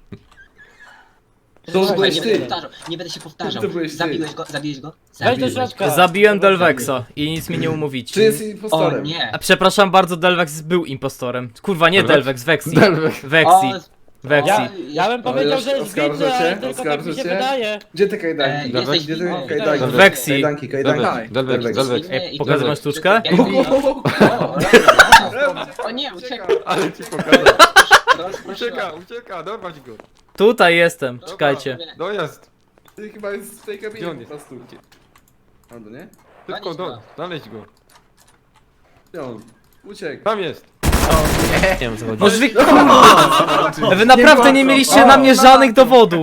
[SPEAKER 6] To
[SPEAKER 8] Słuchaj,
[SPEAKER 6] byłeś
[SPEAKER 8] nie
[SPEAKER 6] ty.
[SPEAKER 8] będę powtarzał, nie będę się powtarzał.
[SPEAKER 6] To byłeś ty.
[SPEAKER 8] Zabiłeś go, zabiłeś go?
[SPEAKER 3] Weź do
[SPEAKER 8] Zabiłeś go.
[SPEAKER 3] środka.
[SPEAKER 5] Zabiłem Delvexa i nic mi nie umówić.
[SPEAKER 6] Czy jest
[SPEAKER 8] O
[SPEAKER 6] impostorem?
[SPEAKER 8] nie.
[SPEAKER 5] A przepraszam bardzo, Delvex był impostorem. Kurwa, nie
[SPEAKER 9] Delvex?
[SPEAKER 5] Delvex, Vexi.
[SPEAKER 6] Delvex.
[SPEAKER 5] Vexi.
[SPEAKER 8] O,
[SPEAKER 5] Vexi.
[SPEAKER 3] Ja, ja bym
[SPEAKER 6] Ale
[SPEAKER 3] powiedział,
[SPEAKER 6] już
[SPEAKER 3] że jest
[SPEAKER 6] oskarżę
[SPEAKER 3] winny, ale
[SPEAKER 6] cię?
[SPEAKER 3] tylko tak mi się
[SPEAKER 6] Oskarżę cię?
[SPEAKER 3] wydaje.
[SPEAKER 6] Gdzie te
[SPEAKER 8] e,
[SPEAKER 6] kajdanki?
[SPEAKER 8] jesteś
[SPEAKER 6] Gdzie te
[SPEAKER 8] winny.
[SPEAKER 6] kajdanki?
[SPEAKER 5] Vexi.
[SPEAKER 6] Kajdanki, kajdanki.
[SPEAKER 9] Delvex, Delvex, Delvex.
[SPEAKER 8] Winny
[SPEAKER 5] Ej,
[SPEAKER 8] i-
[SPEAKER 5] pokażę wam sztuczkę?
[SPEAKER 8] Jak- O, o, o nie, uciekaj.
[SPEAKER 9] Ale ci pokażę.
[SPEAKER 8] Rozproszyła.
[SPEAKER 9] Ucieka, ucieka, dorwać go.
[SPEAKER 5] Tutaj jestem, czekajcie.
[SPEAKER 9] No jest.
[SPEAKER 6] Ty chyba jest w tej kabinie
[SPEAKER 9] Gdzie on
[SPEAKER 6] po
[SPEAKER 9] jest?
[SPEAKER 6] prostu. Albo nie?
[SPEAKER 9] Szybko,
[SPEAKER 8] Zanieś
[SPEAKER 9] do,
[SPEAKER 8] go.
[SPEAKER 9] znaleźć go.
[SPEAKER 6] Gdzie on? Uciekł.
[SPEAKER 9] Tam jest.
[SPEAKER 1] Nie wiem, co chodzi.
[SPEAKER 5] Może wy... Kurwa! Wy naprawdę nie mieliście na mnie żadnych dowodów.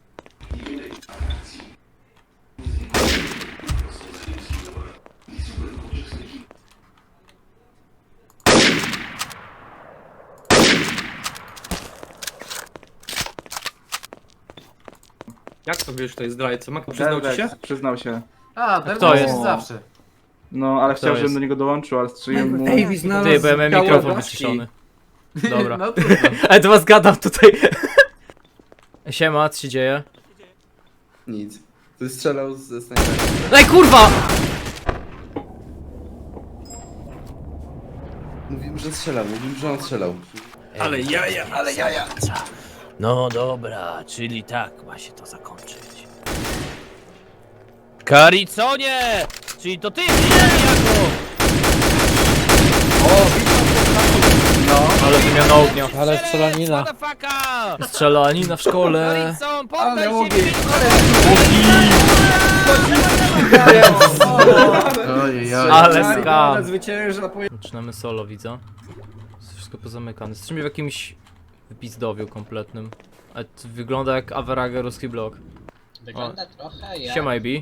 [SPEAKER 10] Jak to wiesz, to jest zdrajca? Mako przyznał ci się?
[SPEAKER 7] Przyznał się. A, ten
[SPEAKER 5] Kto
[SPEAKER 7] jest
[SPEAKER 5] jest?
[SPEAKER 7] zawsze.
[SPEAKER 10] No, ale
[SPEAKER 5] Kto
[SPEAKER 10] chciał, żebym
[SPEAKER 5] jest?
[SPEAKER 10] do niego dołączył, ale strzeliłem mu...
[SPEAKER 7] Ej, znalazł
[SPEAKER 5] Ty, bo ja miałem
[SPEAKER 7] ciało
[SPEAKER 5] mikrofon
[SPEAKER 7] Blaszki.
[SPEAKER 5] wyciszony. Dobra.
[SPEAKER 7] No trudno.
[SPEAKER 5] Ale to was gadam tutaj. Siema, co się dzieje?
[SPEAKER 6] Nic. Ty strzelał ze snajpera.
[SPEAKER 5] Ej, kurwa!
[SPEAKER 6] Mówimy, że strzelał, mówimy, że on strzelał.
[SPEAKER 1] Ale jaja, ale jaja. No dobra, czyli tak ma się to zakończyć. Kariconie! Czyli to ty, nie jako!
[SPEAKER 5] Ale wymiana ognia.
[SPEAKER 3] Ale strzelanina.
[SPEAKER 1] Motherfucker!
[SPEAKER 5] Strzelanina w szkole.
[SPEAKER 1] Karicon, poddaj
[SPEAKER 7] Ale
[SPEAKER 1] się!
[SPEAKER 7] ogień,
[SPEAKER 1] szybko!
[SPEAKER 7] Ojej,
[SPEAKER 5] Ale skam.
[SPEAKER 7] Zwycięża po...
[SPEAKER 5] Zaczynamy solo, widzę. Jest wszystko pozamykane. Jesteśmy w jakimś wypizdowiu kompletnym. A to wygląda jak Averaga ruski blok.
[SPEAKER 8] Wygląda trochę jak...
[SPEAKER 5] Siema, Ibi.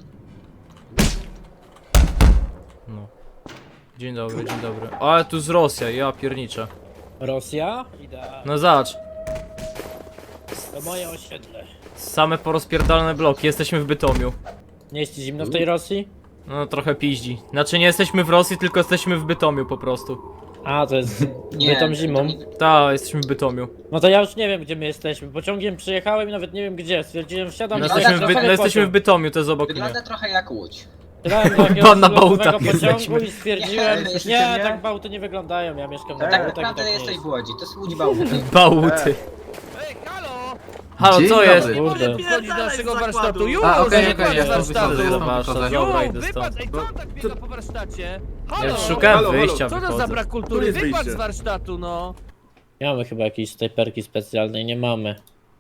[SPEAKER 5] No. Dzień dobry, dzień dobry. Ale tu z Rosja, ja pierniczę.
[SPEAKER 3] Rosja? Idę.
[SPEAKER 5] No zobacz.
[SPEAKER 3] To moje osiedle.
[SPEAKER 5] Same porozpierdalane bloki, jesteśmy w Bytomiu.
[SPEAKER 3] Nie jest ci zimno w tej Rosji?
[SPEAKER 5] No trochę piździ. Znaczy nie jesteśmy w Rosji, tylko jesteśmy w Bytomiu po prostu.
[SPEAKER 3] A, to jest
[SPEAKER 8] Nie,
[SPEAKER 3] bytom zimą.
[SPEAKER 8] to nie-
[SPEAKER 5] Ta, jesteśmy w Bytomiu.
[SPEAKER 3] No to ja już nie wiem, gdzie my jesteśmy. Pociągiem przyjechałem i nawet nie wiem gdzie. Stwierdziłem, wsiadam
[SPEAKER 5] No
[SPEAKER 3] i
[SPEAKER 5] jesteśmy w,
[SPEAKER 3] zaraz
[SPEAKER 5] By...
[SPEAKER 3] sobie
[SPEAKER 5] no, jesteśmy w
[SPEAKER 3] pociąg.
[SPEAKER 5] Bytomiu, to jest obok mnie.
[SPEAKER 8] Wygląda trochę jak Łódź.
[SPEAKER 3] Wsiadałem do jakiegoś
[SPEAKER 5] Bo na
[SPEAKER 3] losowego
[SPEAKER 5] Bałtach
[SPEAKER 3] pociągu
[SPEAKER 5] jesteśmy.
[SPEAKER 3] i stwierdziłem,
[SPEAKER 8] Nie,
[SPEAKER 3] nie,
[SPEAKER 8] jesteście
[SPEAKER 3] tak Bałty nie wyglądają, ja mieszkam na
[SPEAKER 8] Tak
[SPEAKER 3] Bałtach i
[SPEAKER 8] naprawdę
[SPEAKER 3] tak nie
[SPEAKER 8] jesteś
[SPEAKER 3] jest.
[SPEAKER 8] w Łodzi, to jest Łódź Bałty.
[SPEAKER 5] Bałuty.
[SPEAKER 1] Ej, halo!
[SPEAKER 5] Halo,
[SPEAKER 7] Dzień
[SPEAKER 5] co
[SPEAKER 7] dobry.
[SPEAKER 5] jest?
[SPEAKER 3] Kurde.
[SPEAKER 1] Wchodzić do naszego warsztatu! Już!
[SPEAKER 7] A, okej,
[SPEAKER 1] nie
[SPEAKER 7] okej,
[SPEAKER 1] koniec
[SPEAKER 7] ja
[SPEAKER 1] warsztatu!
[SPEAKER 7] wychodzę,
[SPEAKER 5] Do
[SPEAKER 7] ja
[SPEAKER 5] warsztat,
[SPEAKER 7] wychodzę.
[SPEAKER 5] dobra,
[SPEAKER 1] Ju,
[SPEAKER 5] idę stąd.
[SPEAKER 1] wypadł! Ej, co on tak biega po warsztacie? Halo!
[SPEAKER 5] Ja szukałem
[SPEAKER 10] Halo, halo.
[SPEAKER 5] wyjścia,
[SPEAKER 1] Co to za
[SPEAKER 5] wychodzę.
[SPEAKER 1] brak kultury?
[SPEAKER 10] jest
[SPEAKER 1] Wypadł
[SPEAKER 10] wyjście?
[SPEAKER 1] z warsztatu, no!
[SPEAKER 3] Nie mamy chyba jakiejś snajperki specjalnej, nie mamy.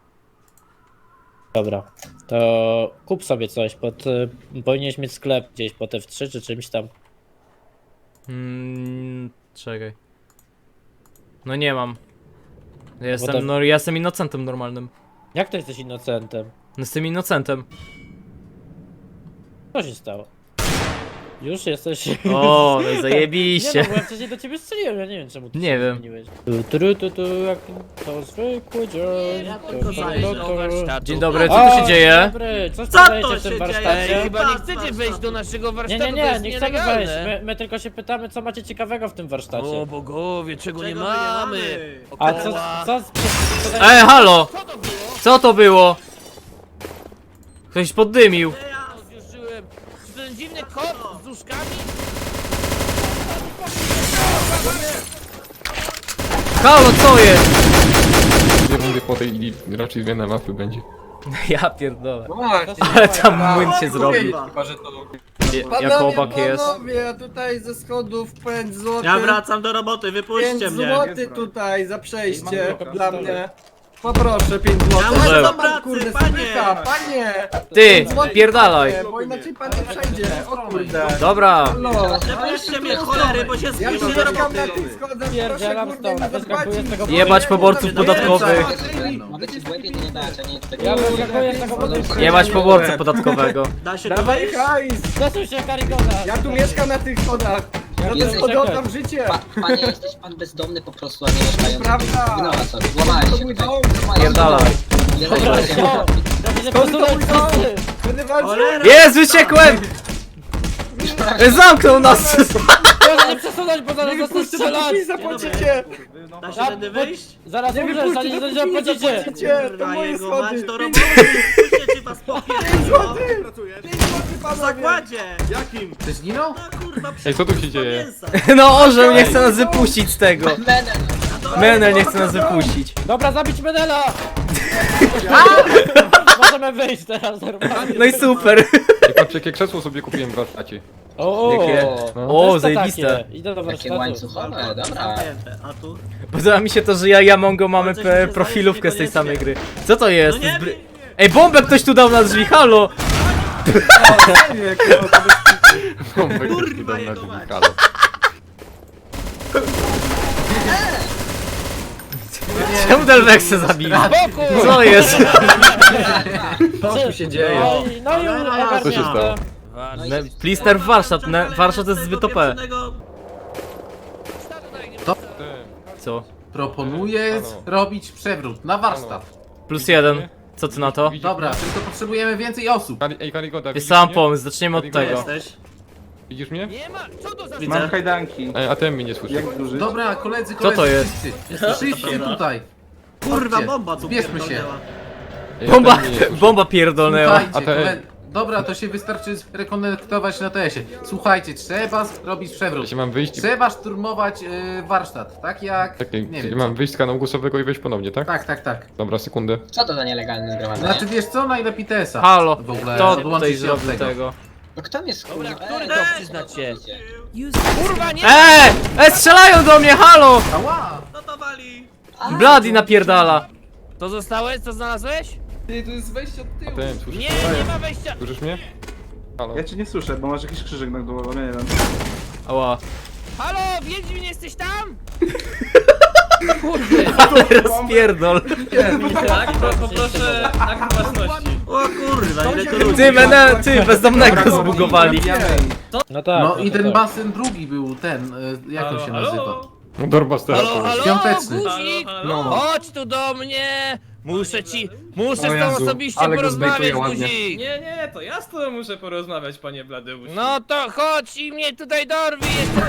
[SPEAKER 3] Dobra, to kup sobie coś, pod, y, powinieneś mieć sklep gdzieś po T F trzy czy czymś tam.
[SPEAKER 5] Mm, czekaj. No nie mam. Ja
[SPEAKER 3] to-
[SPEAKER 5] jestem, no ja jestem innocentem normalnym.
[SPEAKER 3] Jak to jesteś innocentem?
[SPEAKER 5] No jestem innocentem.
[SPEAKER 3] Co się stało? Już jesteś...
[SPEAKER 5] O, no i
[SPEAKER 3] Nie
[SPEAKER 5] zajebiście.
[SPEAKER 3] no, bo ja wcześniej do ciebie strzeliłem, ja nie wiem czemu ty
[SPEAKER 5] Nie
[SPEAKER 3] się
[SPEAKER 5] wiem.
[SPEAKER 3] zmieniłeś. Tu, tu, tu, tu, jak to zwykły dzień.
[SPEAKER 4] Ja
[SPEAKER 3] Tu,
[SPEAKER 4] tylko
[SPEAKER 3] tu,
[SPEAKER 4] zajrzę
[SPEAKER 3] tu,
[SPEAKER 4] do
[SPEAKER 3] tu.
[SPEAKER 1] warsztatu.
[SPEAKER 5] Dzień dobry, co
[SPEAKER 3] O,
[SPEAKER 5] tu się dzieje?
[SPEAKER 3] Dobry, co
[SPEAKER 4] Co to
[SPEAKER 3] sprzedajecie w
[SPEAKER 4] się
[SPEAKER 3] tym
[SPEAKER 4] dzieje?
[SPEAKER 3] warsztacie?
[SPEAKER 1] Ej, chyba nie
[SPEAKER 4] Warsztat,
[SPEAKER 1] chcecie
[SPEAKER 4] warsztat.
[SPEAKER 1] wejść do naszego
[SPEAKER 3] Nie,
[SPEAKER 1] warsztatu,
[SPEAKER 3] nie,
[SPEAKER 1] to
[SPEAKER 3] nie,
[SPEAKER 1] jest
[SPEAKER 3] nie chcemy wejść.
[SPEAKER 1] nielegalne.
[SPEAKER 3] My, my tylko się pytamy, co macie ciekawego w tym warsztacie.
[SPEAKER 1] O bogowie, czego,
[SPEAKER 4] Czego
[SPEAKER 1] nie
[SPEAKER 4] my nie
[SPEAKER 1] mamy?
[SPEAKER 4] mamy?
[SPEAKER 3] A co,
[SPEAKER 1] Okoła.
[SPEAKER 3] co, co,
[SPEAKER 5] Ej, halo! Co to było? Ktoś poddymił.
[SPEAKER 1] Zjuszyłem. Czy ten dziwny kot z uszkami?
[SPEAKER 5] Halo, co jest?
[SPEAKER 9] Dwie rundy po tej i raczej zmiana mapy będzie.
[SPEAKER 5] Ja pierdolę.
[SPEAKER 7] No właśnie.
[SPEAKER 5] Ale tam młyn się zrobił.
[SPEAKER 7] Chyba, że to...
[SPEAKER 5] Je- Jak chłopak jest.
[SPEAKER 7] Panowie, ja tutaj ze schodów pięć złotych.
[SPEAKER 4] Ja wracam do roboty, wypuśćcie
[SPEAKER 7] pięć
[SPEAKER 4] mnie.
[SPEAKER 7] złotych tutaj za przejście dla mnie. Poproszę pięć złotych.
[SPEAKER 4] Ja muszę
[SPEAKER 5] do
[SPEAKER 7] pan,
[SPEAKER 4] pracy,
[SPEAKER 7] kurde,
[SPEAKER 4] panie.
[SPEAKER 7] spycha, panie!
[SPEAKER 5] Ty,
[SPEAKER 7] pięć złotych,
[SPEAKER 5] pierdalaj.
[SPEAKER 7] panie, bo inaczej pan nie przejdzie. O kurde.
[SPEAKER 5] Dobra.
[SPEAKER 7] No.
[SPEAKER 4] Wypuśćcie mnie, cholery, bo się
[SPEAKER 7] Ja
[SPEAKER 4] zbliżę
[SPEAKER 7] tu
[SPEAKER 4] do
[SPEAKER 7] mieszkam na
[SPEAKER 4] roboty.
[SPEAKER 7] tych schodach, proszę
[SPEAKER 3] Pierdzielam
[SPEAKER 7] kurde
[SPEAKER 3] stąd,
[SPEAKER 7] mi
[SPEAKER 3] wyskakuję z tego
[SPEAKER 7] zapłacić.
[SPEAKER 5] Jebać poborców podatkowych.
[SPEAKER 8] Mogę ci w łebie nie dać, a nie tego.
[SPEAKER 3] Ja wyskakuję z tego budynku.
[SPEAKER 5] Jebać poborcę podatkowego.
[SPEAKER 4] Da się tu
[SPEAKER 7] Dawaj
[SPEAKER 4] wejść?
[SPEAKER 7] hajs!
[SPEAKER 3] Zasuń się, Karigoda!
[SPEAKER 7] Ja tu mieszkam na tych schodach. Za te
[SPEAKER 8] Jesteś-
[SPEAKER 7] schody oddam życie.
[SPEAKER 8] Pa, panie, jesteś pan bezdomny po prostu, a nie mieszkający.
[SPEAKER 7] Prawda.
[SPEAKER 8] No a co, złamałeś
[SPEAKER 7] To
[SPEAKER 8] się
[SPEAKER 7] mój
[SPEAKER 8] tutaj.
[SPEAKER 7] dom.
[SPEAKER 5] Pierdalaj.
[SPEAKER 8] Nie
[SPEAKER 3] Dobra,
[SPEAKER 8] daj się.
[SPEAKER 3] co? Dobrze,
[SPEAKER 7] To mój
[SPEAKER 3] posunąć
[SPEAKER 7] dom.
[SPEAKER 3] wszyscy!
[SPEAKER 7] Będę walczył.
[SPEAKER 4] Cholera!
[SPEAKER 5] Jest, uciekłem! Zamknął nas!
[SPEAKER 3] Proszę nie przesunąć, bo zaraz
[SPEAKER 7] Nie
[SPEAKER 3] zacznę
[SPEAKER 7] wypuśćcie, bo
[SPEAKER 3] strzelać!
[SPEAKER 7] mi zapłacicie.
[SPEAKER 4] Da się tędy wyjść?
[SPEAKER 3] Zaraz
[SPEAKER 7] Nie
[SPEAKER 3] umrzesz,
[SPEAKER 7] wypuśćcie,
[SPEAKER 3] zanim
[SPEAKER 7] dopóki
[SPEAKER 3] nie
[SPEAKER 7] nie
[SPEAKER 3] zapłacicie!
[SPEAKER 7] zapłacicie. To
[SPEAKER 4] Kurwa,
[SPEAKER 7] moje
[SPEAKER 4] jego mać
[SPEAKER 7] schody.
[SPEAKER 4] do
[SPEAKER 7] Pięć
[SPEAKER 4] roboty, wypuśćcie, czy was popierdolą.
[SPEAKER 7] złotych. Pięć złotych,
[SPEAKER 4] W
[SPEAKER 7] panowie.
[SPEAKER 4] zakładzie!
[SPEAKER 7] Ty zginął?
[SPEAKER 4] No kurwa,
[SPEAKER 9] Ej, co tu się
[SPEAKER 4] przepis
[SPEAKER 9] dzieje?
[SPEAKER 4] mięsa.
[SPEAKER 5] No orzeł nie chce nas wypuścić z tego.
[SPEAKER 8] Menel.
[SPEAKER 5] Menel nie chce nas wypuścić.
[SPEAKER 3] Dobra, zabić Menela! Możemy wyjść teraz normalnie.
[SPEAKER 5] No i super.
[SPEAKER 9] Ej, patrz, jakie krzesło sobie kupiłem w warsztacie.
[SPEAKER 3] O, o,
[SPEAKER 5] Jakie?
[SPEAKER 9] No.
[SPEAKER 5] O,
[SPEAKER 3] to
[SPEAKER 5] zajebiste.
[SPEAKER 3] takie. Idę do
[SPEAKER 8] Takie
[SPEAKER 3] warsztatu.
[SPEAKER 8] łańcuchowe, dobra.
[SPEAKER 4] Zamknięte, a tu?
[SPEAKER 5] Podoba mi się to, że ja i Amongo mamy
[SPEAKER 4] Coś mi
[SPEAKER 5] pe-
[SPEAKER 4] się
[SPEAKER 5] profilówkę z
[SPEAKER 4] zdaje,
[SPEAKER 5] tej
[SPEAKER 4] że
[SPEAKER 5] samej gry. Co to jest?
[SPEAKER 4] No nie
[SPEAKER 5] Zbry-
[SPEAKER 4] wiem.
[SPEAKER 5] Ej, bombę ktoś tu dał na drzwi, halo!
[SPEAKER 9] Bombek
[SPEAKER 4] Kurwa,
[SPEAKER 9] też tu dam na
[SPEAKER 4] jego
[SPEAKER 9] drzwi,
[SPEAKER 4] mać.
[SPEAKER 9] halo.
[SPEAKER 5] Czemu Delvexę zabili? Co jest?
[SPEAKER 7] Co tu się dzieje?
[SPEAKER 3] No i, no i ogarniam.
[SPEAKER 9] Co się stało?
[SPEAKER 5] Ne- Plister w warsztat, ne- warsztat jest zbyt O P. Co?
[SPEAKER 11] Proponuję
[SPEAKER 9] Halo.
[SPEAKER 11] robić przewrót na warsztat.
[SPEAKER 5] Plus jeden. Co ty na to?
[SPEAKER 9] Widzisz
[SPEAKER 11] Dobra,
[SPEAKER 9] mnie?
[SPEAKER 11] tylko potrzebujemy więcej osób.
[SPEAKER 9] Kari- Ej, Karigoda,
[SPEAKER 5] Jest
[SPEAKER 9] widzisz
[SPEAKER 5] sam
[SPEAKER 9] mnie?
[SPEAKER 5] pomysł, zaczniemy od
[SPEAKER 9] Gdzie
[SPEAKER 5] tego.
[SPEAKER 4] Jesteś?
[SPEAKER 9] Widzisz mnie?
[SPEAKER 1] Nie ma, co to za...
[SPEAKER 4] Widzę.
[SPEAKER 10] Mam kajdanki.
[SPEAKER 9] Ej, a ten mnie nie słyszy.
[SPEAKER 10] Jak duży?
[SPEAKER 11] Dobra, koledzy,
[SPEAKER 5] Co
[SPEAKER 11] koledzy.
[SPEAKER 5] to jest?
[SPEAKER 11] wszyscy. Przyjdźcie tutaj.
[SPEAKER 4] Kurwa,
[SPEAKER 11] Chodźcie,
[SPEAKER 4] bomba tu
[SPEAKER 11] zbierzmy się.
[SPEAKER 4] pierdolnęła.
[SPEAKER 9] Ej, a
[SPEAKER 5] Bomba,
[SPEAKER 9] ten mnie nie słyszy.
[SPEAKER 5] bomba pierdolnęła.
[SPEAKER 9] A
[SPEAKER 11] Słuchajcie,
[SPEAKER 9] te-
[SPEAKER 11] kole... Dobra, to się wystarczy rekonektować na T S-ie. Słuchajcie, trzeba zrobić
[SPEAKER 9] Ja
[SPEAKER 11] przewrót.
[SPEAKER 9] się mam wyjść i...
[SPEAKER 11] Trzeba szturmować y, warsztat, tak jak...
[SPEAKER 9] Tak,
[SPEAKER 11] nie
[SPEAKER 9] ja
[SPEAKER 11] wiem.
[SPEAKER 9] mam wyjść z kanału głosowego i wejść ponownie, tak?
[SPEAKER 11] Tak, tak, tak.
[SPEAKER 9] Dobra, sekundę.
[SPEAKER 8] Co to za nielegalne zgromadzenie?
[SPEAKER 11] Znaczy wiesz co, najlepiej T S-a.
[SPEAKER 5] Halo,
[SPEAKER 11] W ogóle
[SPEAKER 5] kto
[SPEAKER 11] odłączyć
[SPEAKER 5] tutaj
[SPEAKER 11] się od
[SPEAKER 5] zrobił tego?
[SPEAKER 8] No kto mnie skurwa?
[SPEAKER 1] Dobra, który
[SPEAKER 8] Ej,
[SPEAKER 1] to
[SPEAKER 8] ej,
[SPEAKER 1] przyznać się?
[SPEAKER 8] idzie.
[SPEAKER 1] Kurwa, nie!
[SPEAKER 5] Eee! E, strzelają do mnie, halo!
[SPEAKER 11] Ała!
[SPEAKER 4] No to wali!
[SPEAKER 5] Bloody napierdala.
[SPEAKER 1] To zostałeś? Co znalazłeś?
[SPEAKER 7] Ty, to jest wejście od
[SPEAKER 9] A
[SPEAKER 7] tyłu.
[SPEAKER 9] ten, słyszysz
[SPEAKER 1] Nie,
[SPEAKER 9] mnie?
[SPEAKER 1] nie ma wejścia.
[SPEAKER 9] Słyszysz mnie? Halo.
[SPEAKER 10] Ja cię nie słyszę, bo masz jakiś krzyżyk na głowę, nie wiem.
[SPEAKER 5] Ała.
[SPEAKER 1] Halo, Wiedźmin, jesteś tam?
[SPEAKER 5] Ale rozpierdol.
[SPEAKER 3] Tak, poproszę akt własności.
[SPEAKER 4] O kurwa, ile tu ludzi.
[SPEAKER 5] Ty, menel, ty, bezdomnego zbugowali.
[SPEAKER 3] No tak.
[SPEAKER 11] No i ten
[SPEAKER 3] tak.
[SPEAKER 11] basen drugi był ten, y, jak on się nazywa?
[SPEAKER 9] No Dorbas teraz.
[SPEAKER 1] Halo, halo,
[SPEAKER 11] Świąteczny.
[SPEAKER 1] guzik!
[SPEAKER 11] No.
[SPEAKER 1] Chodź tu do mnie! Muszę ci, muszę z
[SPEAKER 7] O
[SPEAKER 1] tobą
[SPEAKER 7] Jezu,
[SPEAKER 1] osobiście
[SPEAKER 7] ale go
[SPEAKER 1] porozmawiać,
[SPEAKER 7] zbejtuje ładnie.
[SPEAKER 1] guzik!
[SPEAKER 3] Nie, nie, to ja z tobą muszę porozmawiać, panie Bladeusz.
[SPEAKER 1] No to chodź i mnie tutaj dorwij!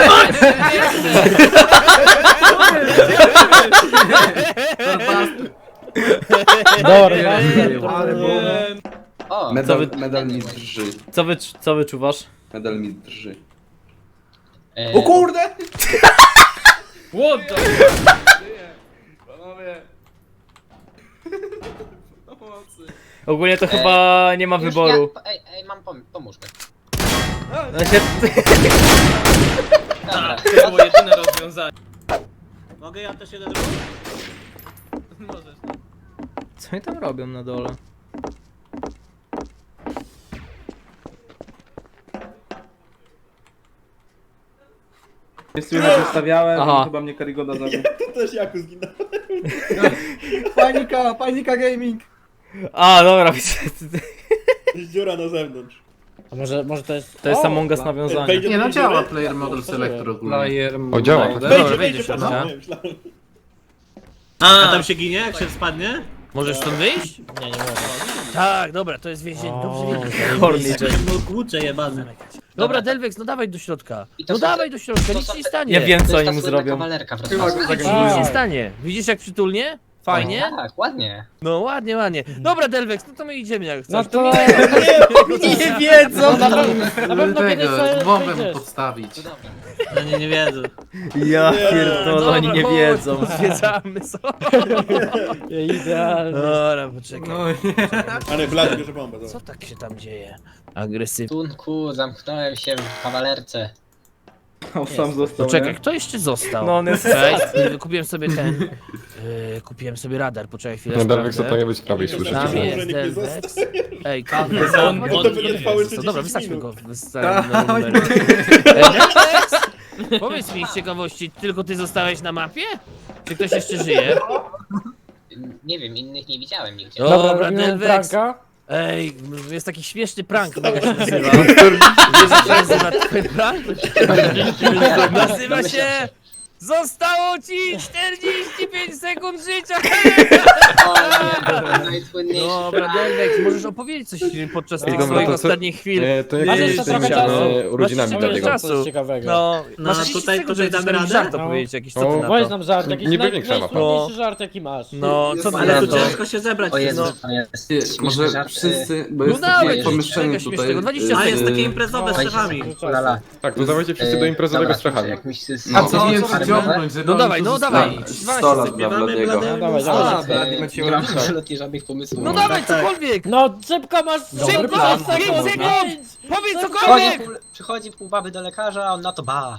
[SPEAKER 3] Dobra,
[SPEAKER 7] Ale bo...
[SPEAKER 8] O,
[SPEAKER 5] Co
[SPEAKER 6] Medal,
[SPEAKER 5] wy-
[SPEAKER 6] medal mi drży.
[SPEAKER 5] Co, wy, co wyczuwasz?
[SPEAKER 6] Medal mi drży.
[SPEAKER 8] e,
[SPEAKER 11] O kurde!
[SPEAKER 3] What the...
[SPEAKER 5] Ogólnie to chyba nie ma
[SPEAKER 8] już
[SPEAKER 5] wyboru.
[SPEAKER 8] Ja, ej, ej, mam pom pomóż mi.
[SPEAKER 5] Znaczy,
[SPEAKER 8] Dobra,
[SPEAKER 3] To było jedyne rozwiązanie.
[SPEAKER 4] Mogę ja też jeden zrobić?
[SPEAKER 1] Możesz.
[SPEAKER 5] Co oni tam robią na dole?
[SPEAKER 10] Jest tu już zostawiałem,
[SPEAKER 5] Aha.
[SPEAKER 10] chyba mnie Karigoda zabił.
[SPEAKER 7] Panika, panika gaming.
[SPEAKER 5] A, dobra, widzę.
[SPEAKER 10] Dziura na zewnątrz.
[SPEAKER 3] A może, może to jest...
[SPEAKER 5] To jest
[SPEAKER 3] O,
[SPEAKER 5] Among Us
[SPEAKER 3] dla-
[SPEAKER 5] nawiązanie.
[SPEAKER 11] Nie no, działa player model selector ogólnie.
[SPEAKER 1] Player
[SPEAKER 9] O, działa.
[SPEAKER 1] mode. Dobra, wejdzie do środka.
[SPEAKER 4] A tam się ginie, jak się spadnie?
[SPEAKER 1] Możesz stąd wyjść?
[SPEAKER 3] Nie, nie mogę.
[SPEAKER 1] Tak, dobra, to jest więzienie. Dobrze wiedzieć.
[SPEAKER 5] Horny
[SPEAKER 4] No kurczę jebany.
[SPEAKER 1] Dobra, Delvex, no dawaj do środka.
[SPEAKER 8] I to
[SPEAKER 1] No
[SPEAKER 8] są te-
[SPEAKER 1] dawaj do środka,
[SPEAKER 8] to
[SPEAKER 1] nic
[SPEAKER 8] są
[SPEAKER 1] ci nie
[SPEAKER 8] te-
[SPEAKER 1] stanie.
[SPEAKER 5] Ja wiem
[SPEAKER 8] To
[SPEAKER 5] co
[SPEAKER 8] jest
[SPEAKER 5] oni
[SPEAKER 8] ta
[SPEAKER 5] mu
[SPEAKER 8] słynna
[SPEAKER 5] zrobią.
[SPEAKER 8] kawalerka, proszę
[SPEAKER 6] Chyba
[SPEAKER 8] bardzo.
[SPEAKER 6] go
[SPEAKER 1] Nic ci
[SPEAKER 6] zagadnąłem.
[SPEAKER 1] nie stanie. Widzisz jak przytulnie? Fajnie?
[SPEAKER 8] Tak, ładnie.
[SPEAKER 1] No ładnie, ładnie. Dobra, Delvex, no to my idziemy jak chcesz.
[SPEAKER 3] No to...
[SPEAKER 5] Nie wiedzą!
[SPEAKER 3] Na pewno, na pewno kiedyś
[SPEAKER 11] Tego,
[SPEAKER 3] sobie
[SPEAKER 11] bombę mu
[SPEAKER 3] wyjdziesz.
[SPEAKER 11] podstawić.
[SPEAKER 8] To dobra.
[SPEAKER 4] No nie, nie wiedzą.
[SPEAKER 5] Ja pierdolę, oni nie
[SPEAKER 1] chodź,
[SPEAKER 5] wiedzą.
[SPEAKER 1] Zwiedzamy sobie.
[SPEAKER 3] Idealnie.
[SPEAKER 1] Dobra, poczekaj.
[SPEAKER 10] Ale blady bierze bombę,
[SPEAKER 1] Co tak się tam dzieje? Agresywnie.
[SPEAKER 8] Tunku, zamknąłem się w kawalerce.
[SPEAKER 10] On sam został,
[SPEAKER 1] Poczekaj, kto jeszcze został?
[SPEAKER 5] No on jest...
[SPEAKER 1] Okej, kupiłem sobie ten... Yy, kupiłem sobie radar, poczekaj chwilę.
[SPEAKER 9] No, Darwek, co
[SPEAKER 1] sprawdzę.
[SPEAKER 9] powinien być z prawej, słyszysz?
[SPEAKER 1] Tam
[SPEAKER 9] że-
[SPEAKER 1] jest Delvex. Ej, kawę.
[SPEAKER 4] On- on-
[SPEAKER 1] Dobra, wystarczmy go. Wystarczy na numer. Ej, Delvex! Powiedz mi z ciekawości, tylko ty zostałeś na mapie? Czy ktoś jeszcze żyje?
[SPEAKER 8] Nie wiem, innych nie widziałem nigdzie.
[SPEAKER 1] Dobra,
[SPEAKER 3] robimy
[SPEAKER 1] Delvex.
[SPEAKER 3] pranka.
[SPEAKER 1] Ej, jest taki śmieszny prank, mega się nazywa. Wiesz, jak się nazywa twój prank? Nazywa się... Zostało ci czterdzieści pięć sekund życia!
[SPEAKER 8] O nie, to jest najsłynniejszy
[SPEAKER 1] Dobra,
[SPEAKER 8] prank.
[SPEAKER 1] Delvex, możesz opowiedzieć coś podczas tych
[SPEAKER 9] Dobra,
[SPEAKER 1] swoich
[SPEAKER 9] to co-
[SPEAKER 1] ostatnich chwil.
[SPEAKER 9] E, to jak
[SPEAKER 3] Masz
[SPEAKER 9] jest
[SPEAKER 3] jeszcze
[SPEAKER 9] z tymi
[SPEAKER 3] trochę czasu.
[SPEAKER 9] e, urodzinami
[SPEAKER 1] Masz
[SPEAKER 9] Dadiego?
[SPEAKER 1] czasu.
[SPEAKER 3] Coś ciekawego.
[SPEAKER 1] No,
[SPEAKER 4] No,
[SPEAKER 1] masz
[SPEAKER 4] tutaj-
[SPEAKER 1] tutaj,
[SPEAKER 4] tutaj
[SPEAKER 1] tutaj
[SPEAKER 4] damy
[SPEAKER 1] damy
[SPEAKER 4] radę?
[SPEAKER 1] żart
[SPEAKER 3] No.
[SPEAKER 1] opowiedzieć jakiś, co ty
[SPEAKER 9] O,
[SPEAKER 1] na
[SPEAKER 3] Weź
[SPEAKER 1] to?
[SPEAKER 3] nam żart, jakiś
[SPEAKER 9] Nie
[SPEAKER 3] naj,
[SPEAKER 9] będzie krzawa.
[SPEAKER 3] najsłodniejszy
[SPEAKER 1] No.
[SPEAKER 3] żart jaki masz.
[SPEAKER 1] No, co ty
[SPEAKER 4] Ale
[SPEAKER 1] na
[SPEAKER 4] to
[SPEAKER 1] to?
[SPEAKER 4] ciężko się zebrać.
[SPEAKER 8] O Jezu,
[SPEAKER 1] No.
[SPEAKER 8] to jest
[SPEAKER 6] Ty,
[SPEAKER 8] śmieszny
[SPEAKER 6] może
[SPEAKER 8] żart,
[SPEAKER 6] wszyscy, bo
[SPEAKER 1] No
[SPEAKER 6] jest
[SPEAKER 1] dawaj,
[SPEAKER 6] takie
[SPEAKER 1] coś
[SPEAKER 6] pomieszczenie
[SPEAKER 1] czego
[SPEAKER 6] tutaj.
[SPEAKER 1] śmiesznego, dwadzieścia
[SPEAKER 6] y,
[SPEAKER 4] A jest
[SPEAKER 1] sekund.
[SPEAKER 4] takie imprezowe z
[SPEAKER 8] Oj,
[SPEAKER 4] szefami.
[SPEAKER 8] Ulala.
[SPEAKER 9] Tak, to dawajcie wszyscy do imprezowego z Czechami.
[SPEAKER 6] No.
[SPEAKER 11] A co wiem przyciągnąć, żeby
[SPEAKER 1] No
[SPEAKER 11] oni
[SPEAKER 1] dawaj,
[SPEAKER 11] tu
[SPEAKER 1] no
[SPEAKER 11] zostali.
[SPEAKER 1] dawaj.
[SPEAKER 6] sto
[SPEAKER 1] dwanaście
[SPEAKER 6] lat
[SPEAKER 1] sekund.
[SPEAKER 6] dla Bladiego.
[SPEAKER 3] No dawaj,
[SPEAKER 8] A,
[SPEAKER 3] dawaj.
[SPEAKER 6] Blady macie
[SPEAKER 8] nie mam
[SPEAKER 6] urodziny.
[SPEAKER 8] absolutnie żadnych pomysłów.
[SPEAKER 1] No dawaj, cokolwiek!
[SPEAKER 3] No szybko masz
[SPEAKER 1] Szybko,
[SPEAKER 3] pięć
[SPEAKER 1] pięć
[SPEAKER 3] sekund!
[SPEAKER 1] sekund!
[SPEAKER 3] pięć.
[SPEAKER 1] Powiedz
[SPEAKER 8] Przychodzi
[SPEAKER 1] cokolwiek!
[SPEAKER 8] pół, przychodzi pół baby do lekarza, a on na to ba.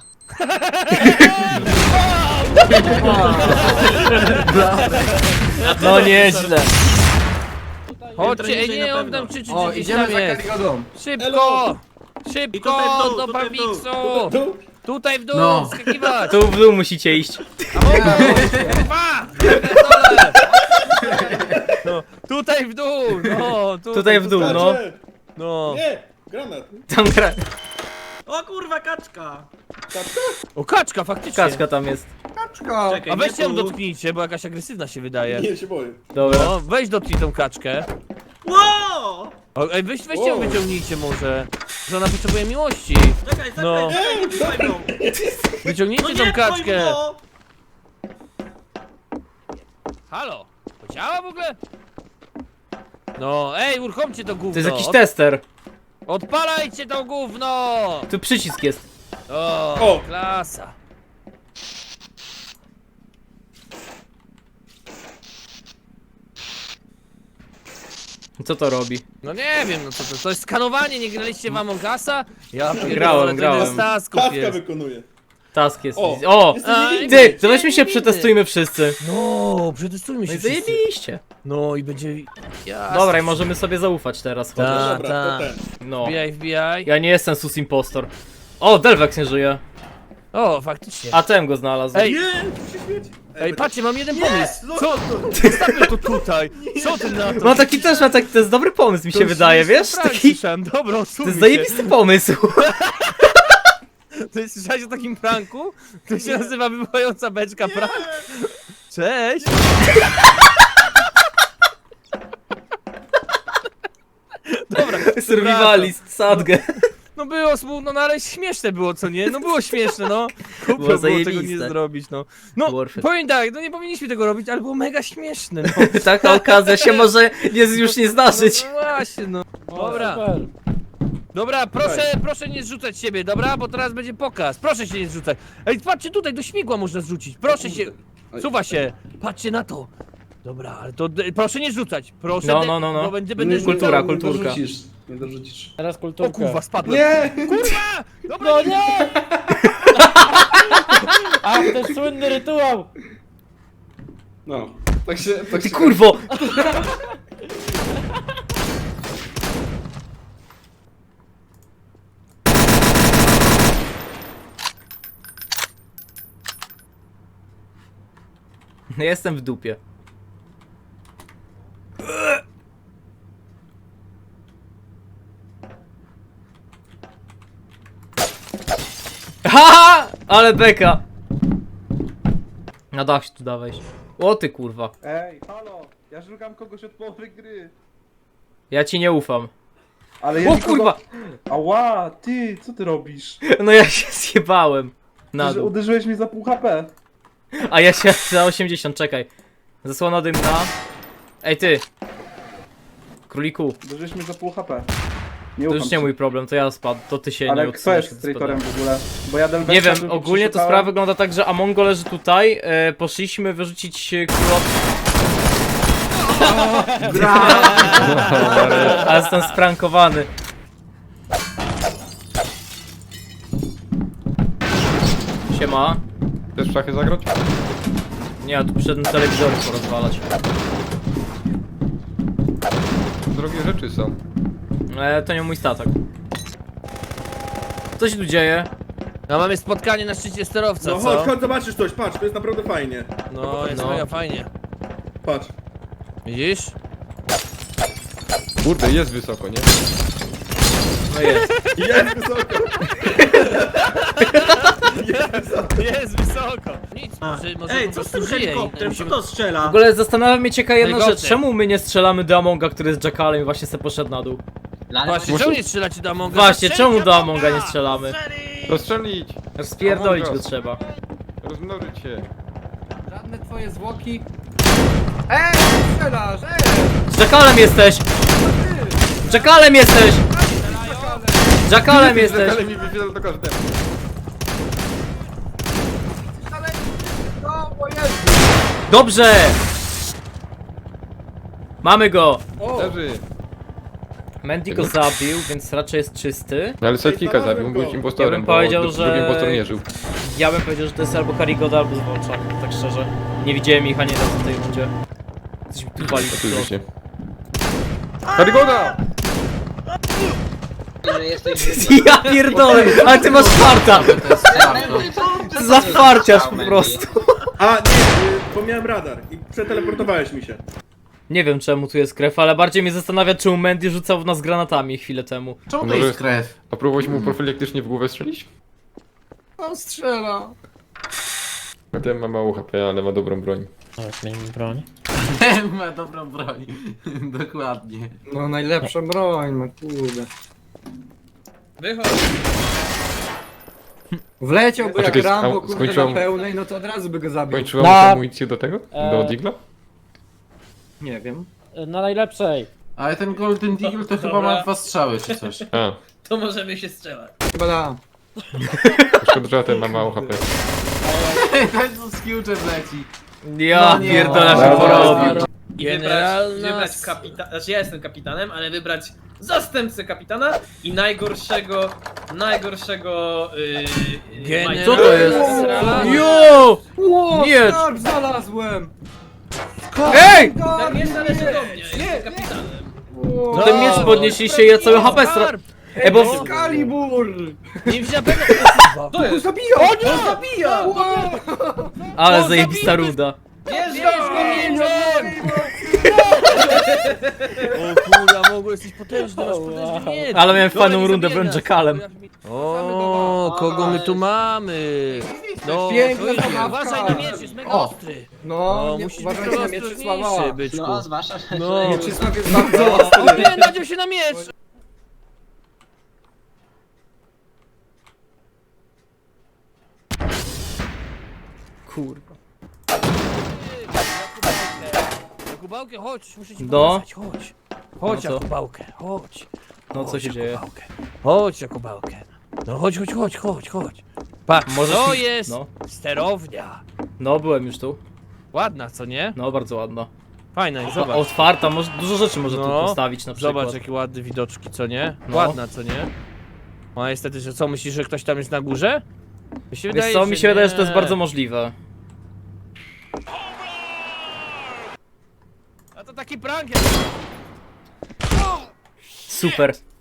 [SPEAKER 5] No nieźle.
[SPEAKER 1] Chodźcie, ej
[SPEAKER 4] niżej
[SPEAKER 1] nie,
[SPEAKER 4] na
[SPEAKER 1] on
[SPEAKER 4] pewno.
[SPEAKER 1] tam krzyczy,
[SPEAKER 7] O,
[SPEAKER 1] że gdzieś
[SPEAKER 7] idziemy
[SPEAKER 1] tam
[SPEAKER 7] za
[SPEAKER 1] jest.
[SPEAKER 7] Karigodą.
[SPEAKER 1] Szybko!
[SPEAKER 4] I
[SPEAKER 1] Szybko,
[SPEAKER 4] tutaj w dół,
[SPEAKER 1] do
[SPEAKER 4] tutaj w dół,
[SPEAKER 1] Bambiksu! Tutaj w dół,
[SPEAKER 11] No.
[SPEAKER 1] skakiwać!
[SPEAKER 5] Tu w dół musicie iść.
[SPEAKER 1] Dwa! Pierdolę! No, tutaj w dół, no, tutaj,
[SPEAKER 5] Tutaj w dół, no.
[SPEAKER 1] No.
[SPEAKER 5] Tam gra...
[SPEAKER 4] O kurwa, kaczka!
[SPEAKER 1] O, kaczka, faktycznie.
[SPEAKER 5] Kaczka tam jest.
[SPEAKER 7] Kaczka.
[SPEAKER 4] Czekaj,
[SPEAKER 1] A weźcie
[SPEAKER 4] nie
[SPEAKER 1] ją
[SPEAKER 4] tu.
[SPEAKER 1] dotknijcie, bo jakaś agresywna się wydaje.
[SPEAKER 10] Nie się boję.
[SPEAKER 5] Dobra.
[SPEAKER 1] No, weź dotknij tą kaczkę.
[SPEAKER 4] Wow!
[SPEAKER 1] O, ej, weź, weźcie ją wyciągnijcie może. Że ona potrzebuje miłości.
[SPEAKER 4] Czekaj, czekaj,
[SPEAKER 1] No.
[SPEAKER 4] czekaj, nie pchaj mną. No
[SPEAKER 1] Wyciągnijcie
[SPEAKER 4] nie
[SPEAKER 1] tą
[SPEAKER 4] pchaj
[SPEAKER 1] kaczkę.
[SPEAKER 4] mną.
[SPEAKER 1] Halo? To działa w ogóle? No, ej, uruchomcie to gówno.
[SPEAKER 5] To jest jakiś
[SPEAKER 1] Od-
[SPEAKER 5] tester.
[SPEAKER 1] Odpalajcie to gówno!
[SPEAKER 5] Tu przycisk jest.
[SPEAKER 1] O,
[SPEAKER 10] O!
[SPEAKER 1] klasa.
[SPEAKER 5] Co to robi?
[SPEAKER 1] No nie wiem, no co to, to jest skanowanie, nie graliście w Among Usa? Ja pierdolę,
[SPEAKER 5] Grałem,
[SPEAKER 1] to
[SPEAKER 5] grałem.
[SPEAKER 1] jest tasków jest.
[SPEAKER 10] wykonuje.
[SPEAKER 5] Task jest.
[SPEAKER 10] O!
[SPEAKER 5] O!
[SPEAKER 1] A,
[SPEAKER 5] Ty,
[SPEAKER 1] i
[SPEAKER 5] to weźmy się
[SPEAKER 1] będzie
[SPEAKER 5] przetestujmy wszyscy.
[SPEAKER 1] No, przetestujmy
[SPEAKER 5] No
[SPEAKER 1] się
[SPEAKER 5] i
[SPEAKER 1] wszyscy.
[SPEAKER 5] zajebiście.
[SPEAKER 1] No i będzie... Jasne.
[SPEAKER 5] Dobra, i możemy sobie zaufać teraz chociaż.
[SPEAKER 1] Ta,
[SPEAKER 10] Dobra,
[SPEAKER 1] ta.
[SPEAKER 10] to ten.
[SPEAKER 5] No.
[SPEAKER 1] Wbijaj, wbijaj.
[SPEAKER 5] Ja nie jestem sus impostor. O, Delvex nie żyje.
[SPEAKER 1] O, faktycznie.
[SPEAKER 5] A tem go znalazł.
[SPEAKER 1] Ej,
[SPEAKER 10] Nie! się świeci.
[SPEAKER 1] ej, patrzcie, mam jeden pomysł. Co to? Zostawmy to tutaj. Co ty na to?
[SPEAKER 5] No taki też ma taki, to jest dobry pomysł mi się wydaje, wiesz? Taki,
[SPEAKER 1] Dobra,
[SPEAKER 5] to
[SPEAKER 1] odsuńmy
[SPEAKER 5] jest
[SPEAKER 1] się.
[SPEAKER 5] zajebisty pomysł.
[SPEAKER 1] To jest, słyszałeś o takim pranku? To się nazywa wywołająca beczka prank. Cześć! Dobra,
[SPEAKER 5] Survivalist, sadgę.
[SPEAKER 1] no było smutno, no ale śmieszne było, co nie? No było śmieszne, no. Głupio
[SPEAKER 5] Było
[SPEAKER 1] było tego nie
[SPEAKER 5] zajebiste.
[SPEAKER 1] zrobić, no. No,
[SPEAKER 5] Worth it.
[SPEAKER 1] powiem tak, no nie powinniśmy tego robić, ale było mega śmieszne, no.
[SPEAKER 5] Taka okazja się może nie, już nie zdarzyć.
[SPEAKER 1] No właśnie, no.
[SPEAKER 3] O,
[SPEAKER 1] Dobra.
[SPEAKER 3] super.
[SPEAKER 1] Dobra, proszę, proszę nie zrzucać siebie, dobra? Bo teraz będzie pokaz. Proszę się nie zrzucać. Ej, patrzcie tutaj, do śmigła można zrzucić. Proszę się. Suwa się. Patrzcie na to. Dobra, ale to d- proszę nie rzucać. Proszę.
[SPEAKER 5] No,
[SPEAKER 1] de-
[SPEAKER 5] no, no, no.
[SPEAKER 1] Bo będę, będę
[SPEAKER 6] Nie,
[SPEAKER 1] rzucał.
[SPEAKER 5] Kultura,
[SPEAKER 6] nie
[SPEAKER 5] kulturka.
[SPEAKER 6] dorzucisz, nie dorzucisz.
[SPEAKER 3] Teraz
[SPEAKER 1] O
[SPEAKER 3] kulturkę.
[SPEAKER 1] kurwa, spadłem.
[SPEAKER 6] Nie!
[SPEAKER 1] Kurwa! Dobra,
[SPEAKER 3] No
[SPEAKER 1] nie.
[SPEAKER 3] nie! A, ten słynny rytuał!
[SPEAKER 6] No, tak się... Tak
[SPEAKER 5] Ty
[SPEAKER 6] się
[SPEAKER 5] kurwo! Jestem w dupie. Haha! Ale beka! Na dach się tu da wejść. O ty kurwa.
[SPEAKER 10] Ej, halo, ja szukam kogoś od połowy gry.
[SPEAKER 5] Ja ci nie ufam.
[SPEAKER 10] Ale ja
[SPEAKER 5] O
[SPEAKER 10] nikogo-
[SPEAKER 5] kurwa!
[SPEAKER 10] Ała, ty, co ty robisz?
[SPEAKER 5] No ja się zjebałem. Na
[SPEAKER 10] Że
[SPEAKER 5] dół.
[SPEAKER 10] uderzyłeś mnie za pół H P.
[SPEAKER 5] A ja się za osiemdziesiąt, czekaj. Zasłona dymna. Ej ty. Króliku,
[SPEAKER 10] Uderzyłeś mnie za pół H P. Nie
[SPEAKER 5] to
[SPEAKER 10] ufam
[SPEAKER 5] już nie
[SPEAKER 10] ci.
[SPEAKER 5] mój problem, to ja spadł, to ty się nie
[SPEAKER 10] Ale kto
[SPEAKER 5] odsuniesz,
[SPEAKER 10] jest
[SPEAKER 5] kiedy
[SPEAKER 10] traitorem
[SPEAKER 5] spadłem.
[SPEAKER 10] w ogóle? Bo ja Delvexa
[SPEAKER 5] Nie wiem,
[SPEAKER 10] tu
[SPEAKER 5] ogólnie to
[SPEAKER 10] przeszukałem.
[SPEAKER 5] sprawa wygląda tak, że Amongo leży tutaj, e, poszliśmy wyrzucić e, króla... Ale jestem sprankowany. Siema.
[SPEAKER 9] Chcesz w szachy zagrać?
[SPEAKER 5] Nie, ja tu przyszedłem telewizor porozwalać.
[SPEAKER 9] Drogie rzeczy są.
[SPEAKER 5] E, to nie mój statek. Co się tu dzieje?
[SPEAKER 1] No mamy spotkanie na szczycie sterowca,
[SPEAKER 10] No
[SPEAKER 1] co?
[SPEAKER 10] chodź, chodź, zobaczysz coś, patrz, to jest naprawdę fajnie.
[SPEAKER 1] No, jest
[SPEAKER 5] No.
[SPEAKER 1] mega fajnie.
[SPEAKER 10] Patrz.
[SPEAKER 1] Widzisz?
[SPEAKER 9] Kurde, jest wysoko, nie?
[SPEAKER 5] No jest.
[SPEAKER 10] Jest wysoko.
[SPEAKER 1] Jest wysoko. Nic, może, może
[SPEAKER 4] Ej,
[SPEAKER 1] po
[SPEAKER 4] co z
[SPEAKER 1] prostu
[SPEAKER 4] tym
[SPEAKER 1] żyje i
[SPEAKER 4] helikopterem?
[SPEAKER 1] musimy-
[SPEAKER 4] Kto to strzela?
[SPEAKER 5] W ogóle zastanawia mnie ciekawa jedna
[SPEAKER 1] Helikopter.
[SPEAKER 5] rzecz, czemu my nie strzelamy do Amonga, który jest Jackalem i właśnie se poszedł na dół?
[SPEAKER 1] Właśnie, czemu nie strzelacie do Amonga?
[SPEAKER 5] Właśnie,
[SPEAKER 1] Strzelcie
[SPEAKER 5] czemu do
[SPEAKER 1] Amonga!
[SPEAKER 5] Amonga nie strzelamy?
[SPEAKER 9] Rozstrzelić!
[SPEAKER 5] Spierdolić
[SPEAKER 9] Among
[SPEAKER 5] go
[SPEAKER 9] Us.
[SPEAKER 5] trzeba.
[SPEAKER 9] Rozmnożyć się.
[SPEAKER 11] Żadne twoje zwłoki. Ej, strzelasz, ej!
[SPEAKER 5] Z Jackalem jesteś! Jackalem jesteś! Jackalem jesteś!
[SPEAKER 9] Ale mi wyświetla do każdego.
[SPEAKER 11] No, bo jest!
[SPEAKER 5] Dobrze! Mamy go!
[SPEAKER 9] Leży.
[SPEAKER 5] Mandy go zabił, więc raczej jest czysty.
[SPEAKER 9] No ale Sidekicka zabił, był impostorem,
[SPEAKER 5] Ja bym
[SPEAKER 9] bo
[SPEAKER 5] powiedział,
[SPEAKER 9] dru-
[SPEAKER 5] że-
[SPEAKER 9] drugi impostor nie żył.
[SPEAKER 5] Ja bym powiedział, że to jest albo Karigoda, albo Zwolczak, tak szczerze. Nie widziałem ich ani razu w tej rundzie. Coś mi tu wali w
[SPEAKER 9] Oczywiście. Karygoda!
[SPEAKER 5] Ja pierdolę, ale ty masz farta! Za farciarz po prostu.
[SPEAKER 10] A, nie, y, bo miałem radar i przeteleportowałeś mi się.
[SPEAKER 5] Nie wiem czemu tu jest krew, ale bardziej mnie zastanawia, czemu Mandy rzucał w nas granatami chwilę temu.
[SPEAKER 11] Czemu to
[SPEAKER 9] Może-
[SPEAKER 11] jest krew?
[SPEAKER 9] A próbowałeś mu profilaktycznie w głowę strzelić?
[SPEAKER 11] On strzela.
[SPEAKER 9] No ten ma mało H P, ale ma dobrą broń.
[SPEAKER 3] O, zmienimy broń.
[SPEAKER 11] Ma dobrą broń. Dokładnie. No najlepsza broń, no kurde.
[SPEAKER 4] Wychodź.
[SPEAKER 11] Wleciałby
[SPEAKER 9] A
[SPEAKER 11] jak
[SPEAKER 9] czekaj,
[SPEAKER 11] Rambo,
[SPEAKER 9] a
[SPEAKER 11] kurde,
[SPEAKER 9] skończyłam-
[SPEAKER 11] na pełnej, no to od razu by go zabił.
[SPEAKER 9] Kończyła
[SPEAKER 3] Na-
[SPEAKER 9] mu się amunicję do tego? Do
[SPEAKER 3] Eee.
[SPEAKER 9] Digla?
[SPEAKER 11] Nie wiem.
[SPEAKER 3] Na najlepszej.
[SPEAKER 11] Ale ten Golden Deagle to chyba
[SPEAKER 4] Dobra.
[SPEAKER 11] ma dwa strzały czy coś.
[SPEAKER 9] A,
[SPEAKER 4] To możemy się strzelać.
[SPEAKER 11] Chyba da.
[SPEAKER 9] szkoda, że ten ma mało H P.
[SPEAKER 11] Ten co z Future leci.
[SPEAKER 5] Ja
[SPEAKER 11] No nie.
[SPEAKER 5] pierdolę
[SPEAKER 11] Dobra,
[SPEAKER 5] się porobił.
[SPEAKER 11] dobra.
[SPEAKER 4] I
[SPEAKER 1] Generalna
[SPEAKER 4] wybrać, wybrać
[SPEAKER 1] s-
[SPEAKER 4] kapitana, znaczy ja jestem kapitanem, ale wybrać zastępcę kapitana i najgorszego, najgorszego yy,
[SPEAKER 1] Generalna
[SPEAKER 5] Co to jest?
[SPEAKER 1] srala.
[SPEAKER 5] Jo!
[SPEAKER 11] Ło,
[SPEAKER 5] Nie.
[SPEAKER 11] skarb znalazłem!
[SPEAKER 5] Ej!
[SPEAKER 4] Tak nie należy do mnie, jestem kapitanem.
[SPEAKER 11] Ło,
[SPEAKER 5] Ten miecz podnieśliście i ja cały H P stra...
[SPEAKER 1] Skarb!
[SPEAKER 5] Ej, bo...
[SPEAKER 11] Excalibur!
[SPEAKER 1] Nie wziąłem pewno.
[SPEAKER 4] To jest!
[SPEAKER 11] Zabija! O nie! On zabija!
[SPEAKER 5] Ale
[SPEAKER 1] O,
[SPEAKER 5] zajebista
[SPEAKER 1] zabity!
[SPEAKER 5] ruda.
[SPEAKER 4] Bierz
[SPEAKER 1] Bierz
[SPEAKER 4] go!
[SPEAKER 1] go mieczem! O kurwa, mogło jesteś potężny, masz potężny miecz.
[SPEAKER 5] Ale miałem
[SPEAKER 1] Dobra,
[SPEAKER 5] fajną
[SPEAKER 1] nie
[SPEAKER 5] rundę,
[SPEAKER 1] zabijaj
[SPEAKER 5] byłem
[SPEAKER 1] nas.
[SPEAKER 5] Jackalem.
[SPEAKER 1] O, kogo my tu mamy? No,
[SPEAKER 11] Piękna
[SPEAKER 1] to jest-
[SPEAKER 11] zabawka.
[SPEAKER 1] uważaj na miecz, jest mega
[SPEAKER 11] O.
[SPEAKER 1] ostry.
[SPEAKER 11] No,
[SPEAKER 1] No,
[SPEAKER 11] nie
[SPEAKER 1] musisz być
[SPEAKER 11] uważajcie na
[SPEAKER 1] ostrożniejszy,
[SPEAKER 11] Mieczysława.
[SPEAKER 1] byczku.
[SPEAKER 8] No, zwłaszcza, że...
[SPEAKER 1] No.
[SPEAKER 11] Mieczysław jest bardzo ostry.
[SPEAKER 1] O, nie, nadział się na miecz!
[SPEAKER 5] Kurwa.
[SPEAKER 1] Jakubałkę, chodź, muszę ci
[SPEAKER 5] No.
[SPEAKER 1] pokazać, chodź. Chodź,
[SPEAKER 5] No co?
[SPEAKER 1] Jakubałkę, chodź.
[SPEAKER 5] No co
[SPEAKER 1] Chodź,
[SPEAKER 5] się dzieje?
[SPEAKER 1] Jakubałkę. Chodź, Jakubałkę. No chodź, chodź, chodź, chodź, chodź. Patrz,
[SPEAKER 5] Możesz
[SPEAKER 1] to
[SPEAKER 5] mi-
[SPEAKER 1] jest
[SPEAKER 5] no.
[SPEAKER 1] sterownia.
[SPEAKER 5] No, byłem już tu.
[SPEAKER 1] Ładna, co nie?
[SPEAKER 5] No, bardzo ładna.
[SPEAKER 1] Fajna i
[SPEAKER 5] Zobacz.
[SPEAKER 1] zobacz.
[SPEAKER 5] Otwarta, może, dużo rzeczy może tu
[SPEAKER 1] No,
[SPEAKER 5] postawić na przykład.
[SPEAKER 1] Zobacz, jakie ładne widoczki, co nie?
[SPEAKER 5] No.
[SPEAKER 1] Ładna, co nie? No a niestety, że co, myślisz, że ktoś tam jest na górze? Mi się
[SPEAKER 5] Wiesz
[SPEAKER 1] wydaje,
[SPEAKER 5] co, mi się wydaje, że to jest
[SPEAKER 1] nie.
[SPEAKER 5] bardzo możliwe.
[SPEAKER 1] A to taki prank jest.
[SPEAKER 5] Super.